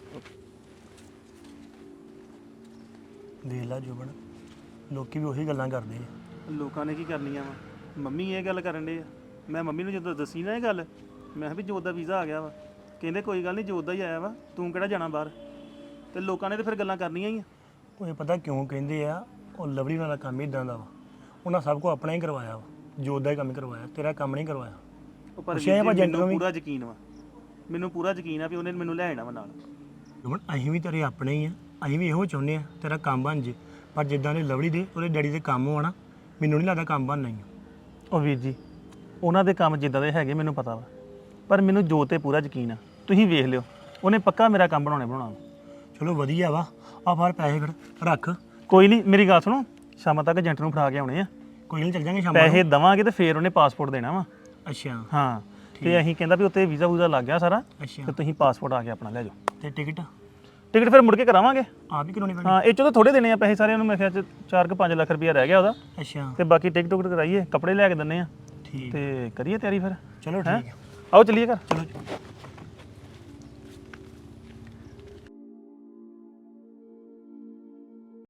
[SPEAKER 9] ਦੇਖ ਲਾ ਜੋਬਨ, ਲੋਕੀ ਵੀ ਉਹੀ ਗੱਲਾਂ ਕਰਦੇ ਆ।
[SPEAKER 8] ਲੋਕਾਂ ਨੇ ਕੀ ਕਰਨੀਆਂ ਵਾ, ਮੰਮੀ ਇਹ ਗੱਲ ਕਰਨ ਡੇ ਆ। ਮੈਂ ਮੰਮੀ ਨੂੰ ਜਦੋਂ ਦੱਸੀ ਨਾ ਇਹ ਗੱਲ, ਮੈਂ ਕਿਹਾ ਵੀ ਜੋਤ ਦਾ ਵੀਜ਼ਾ ਆ ਗਿਆ ਵਾ। ਕਹਿੰਦੇ ਕੋਈ ਗੱਲ ਨਹੀਂ ਜੋਤ ਦਾ ਹੀ ਆਇਆ ਵਾ, ਤੂੰ ਕਿਹੜਾ ਜਾਣਾ ਬਾਹਰ। ਤੇ ਲੋਕਾਂ ਨੇ ਤੇ ਫਿਰ ਗੱਲਾਂ ਕਰਨੀਆਂ ਹੀ ਆ।
[SPEAKER 9] ਉਹ ਇਹ ਪਤਾ ਕਿਉਂ ਕਹਿੰਦੇ ਆ, ਉਹ ਲਵਲੀ ਵਾਲਾ ਕੰਮ ਇਦਾਂ ਦਾ ਵਾ। ਉਹਨਾਂ ਸਭ ਕੁਝ ਆਪਣਾ ਹੀ ਕਰਵਾਇਆ ਵਾ, ਜੋਤ ਦਾ ਹੀ ਕੰਮ ਕਰਵਾਇਆ, ਤੇਰਾ ਕੰਮ ਨਹੀਂ ਕਰਵਾਇਆ।
[SPEAKER 8] ਉਹ ਪਰ
[SPEAKER 9] ਪੁੱਛਿਆ ਭਾਜੀ
[SPEAKER 8] ਮੈਨੂੰ
[SPEAKER 9] ਨੂੰ ਵੀ।
[SPEAKER 8] ਪੂਰਾ ਯਕੀਨ ਵਾ, ਮੈਨੂੰ ਪੂਰਾ ਯਕੀਨ ਆ ਵੀ ਉਹਨੇ ਮੈਨੂੰ ਲੈ ਜਾਣਾ ਵਾ ਨਾਲ।
[SPEAKER 9] ਜੋਬਨ ਅਸੀਂ ਵੀ ਤੇਰੇ ਆਪਣੇ ਹੀ ਆ, ਅਸੀਂ ਵੀ ਇਹੋ ਚਾਹੁੰਦੇ ਆ ਤੇਰਾ ਕੰਮ ਬਣ ਜੇ। ਪਰ ਜਿੱਦਾਂ ਦੇ ਲਵਲੀ ਦੇ ਉਹਦੇ ਡੈਡੀ ਦੇ ਕੰਮ ਹੋਣਾ, ਮੈਨੂੰ ਨਹੀਂ ਲੱਗਦਾ ਕੰਮ ਬਣਨਾ ਹੀ ਆ।
[SPEAKER 8] ਉਹ ਵੀਰ ਜੀ ਉਹਨਾਂ ਦੇ ਕੰਮ ਜਿੱਦਾਂ ਦੇ ਹੈਗੇ ਮੈਨੂੰ ਪਤਾ ਵਾ, ਪਰ ਮੈਨੂੰ ਜੋਤ ਤੇ ਪੂਰਾ ਯਕੀਨ ਆ। ਤੁਸੀਂ ਵੇਖ ਲਿਓ, ਉਹਨੇ ਪੱਕਾ ਮੇਰਾ ਕੰਮ ਬਣਾਉਣਾ।
[SPEAKER 9] ਚਲੋ ਵਧੀਆ ਵਾ। ਆ ਫੜ ਪੈਸੇ ਫਿਰ ਰੱਖ।
[SPEAKER 8] ਕੋਈ ਨਹੀਂ ਮੇਰੀ ਗੱਲ ਸੁਣੋ, ਸ਼ਾਮਾਂ ਤੱਕ ਏਜੰਟ ਨੂੰ ਫੜਾ ਕੇ ਆਉਣੇ ਆ।
[SPEAKER 9] ਕੋਈ ਨਹੀਂ ਚੱਲ ਜਾਂਗੇ ਸ਼ਾਮ ਨੂੰ।
[SPEAKER 8] ਪੈਸੇ ਦਵਾਂਗੇ ਤੇ ਫਿਰ ਉਹਨੇ ਪਾਸਪੋਰਟ ਦੇਣਾ ਵਾ।
[SPEAKER 9] ਅੱਛਾ
[SPEAKER 8] ਹਾਂ ਤੇ ਅਸੀਂ ਕਹਿੰਦਾ ਵੀ ਉੱਤੇ ਵੀਜ਼ਾ ਵੂਜ਼ਾ ਲੱਗ ਗਿਆ ਸਾਰਾ,
[SPEAKER 9] ਅੱਛਾ।
[SPEAKER 8] ਤੇ ਤੁਸੀਂ ਪਾਸਪੋਰਟ ਆ ਕੇ ਆਪਣਾ ਲੈ ਜਾਓ।
[SPEAKER 9] ਤੇ ਟਿਕਟ
[SPEAKER 8] ਟਿਕਟ ਫਿਰ ਮੁੜ ਕੇ ਕਰਾਵਾਂਗੇ।
[SPEAKER 9] ਆਪ ਹੀ ਕਰਾਉਣੀ ਪੈਣੀ?
[SPEAKER 8] ਹਾਂ ਇਹ ਚੋਂ ਤਾਂ ਥੋੜੇ ਦੇਣੇ ਆ ਪੈਸੇ ਸਾਰਿਆਂ ਨੂੰ। ਮੈਂ ਕਿਹਾ 4-5 ਲੱਖ ਰੁਪਇਆ ਰਹਿ ਗਿਆ ਉਹਦਾ,
[SPEAKER 9] ਅੱਛਾ
[SPEAKER 8] ਤੇ ਬਾਕੀ ਟਿਕਟ ਟੁਕਟ ਕਰਾਈਏ, ਕੱਪੜੇ ਲੈ ਕੇ ਦਿੰਨੇ ਆ
[SPEAKER 9] ਠੀਕ।
[SPEAKER 8] ਤੇ ਕਰੀਏ ਤਿਆਰੀ ਫਿਰ।
[SPEAKER 9] ਚਲੋ
[SPEAKER 8] ਹੈਂ?
[SPEAKER 9] ਠੀਕ ਹੈ।
[SPEAKER 8] ਆਓ ਚੱਲੀਏ ਘਰ।
[SPEAKER 9] ਚਲੋ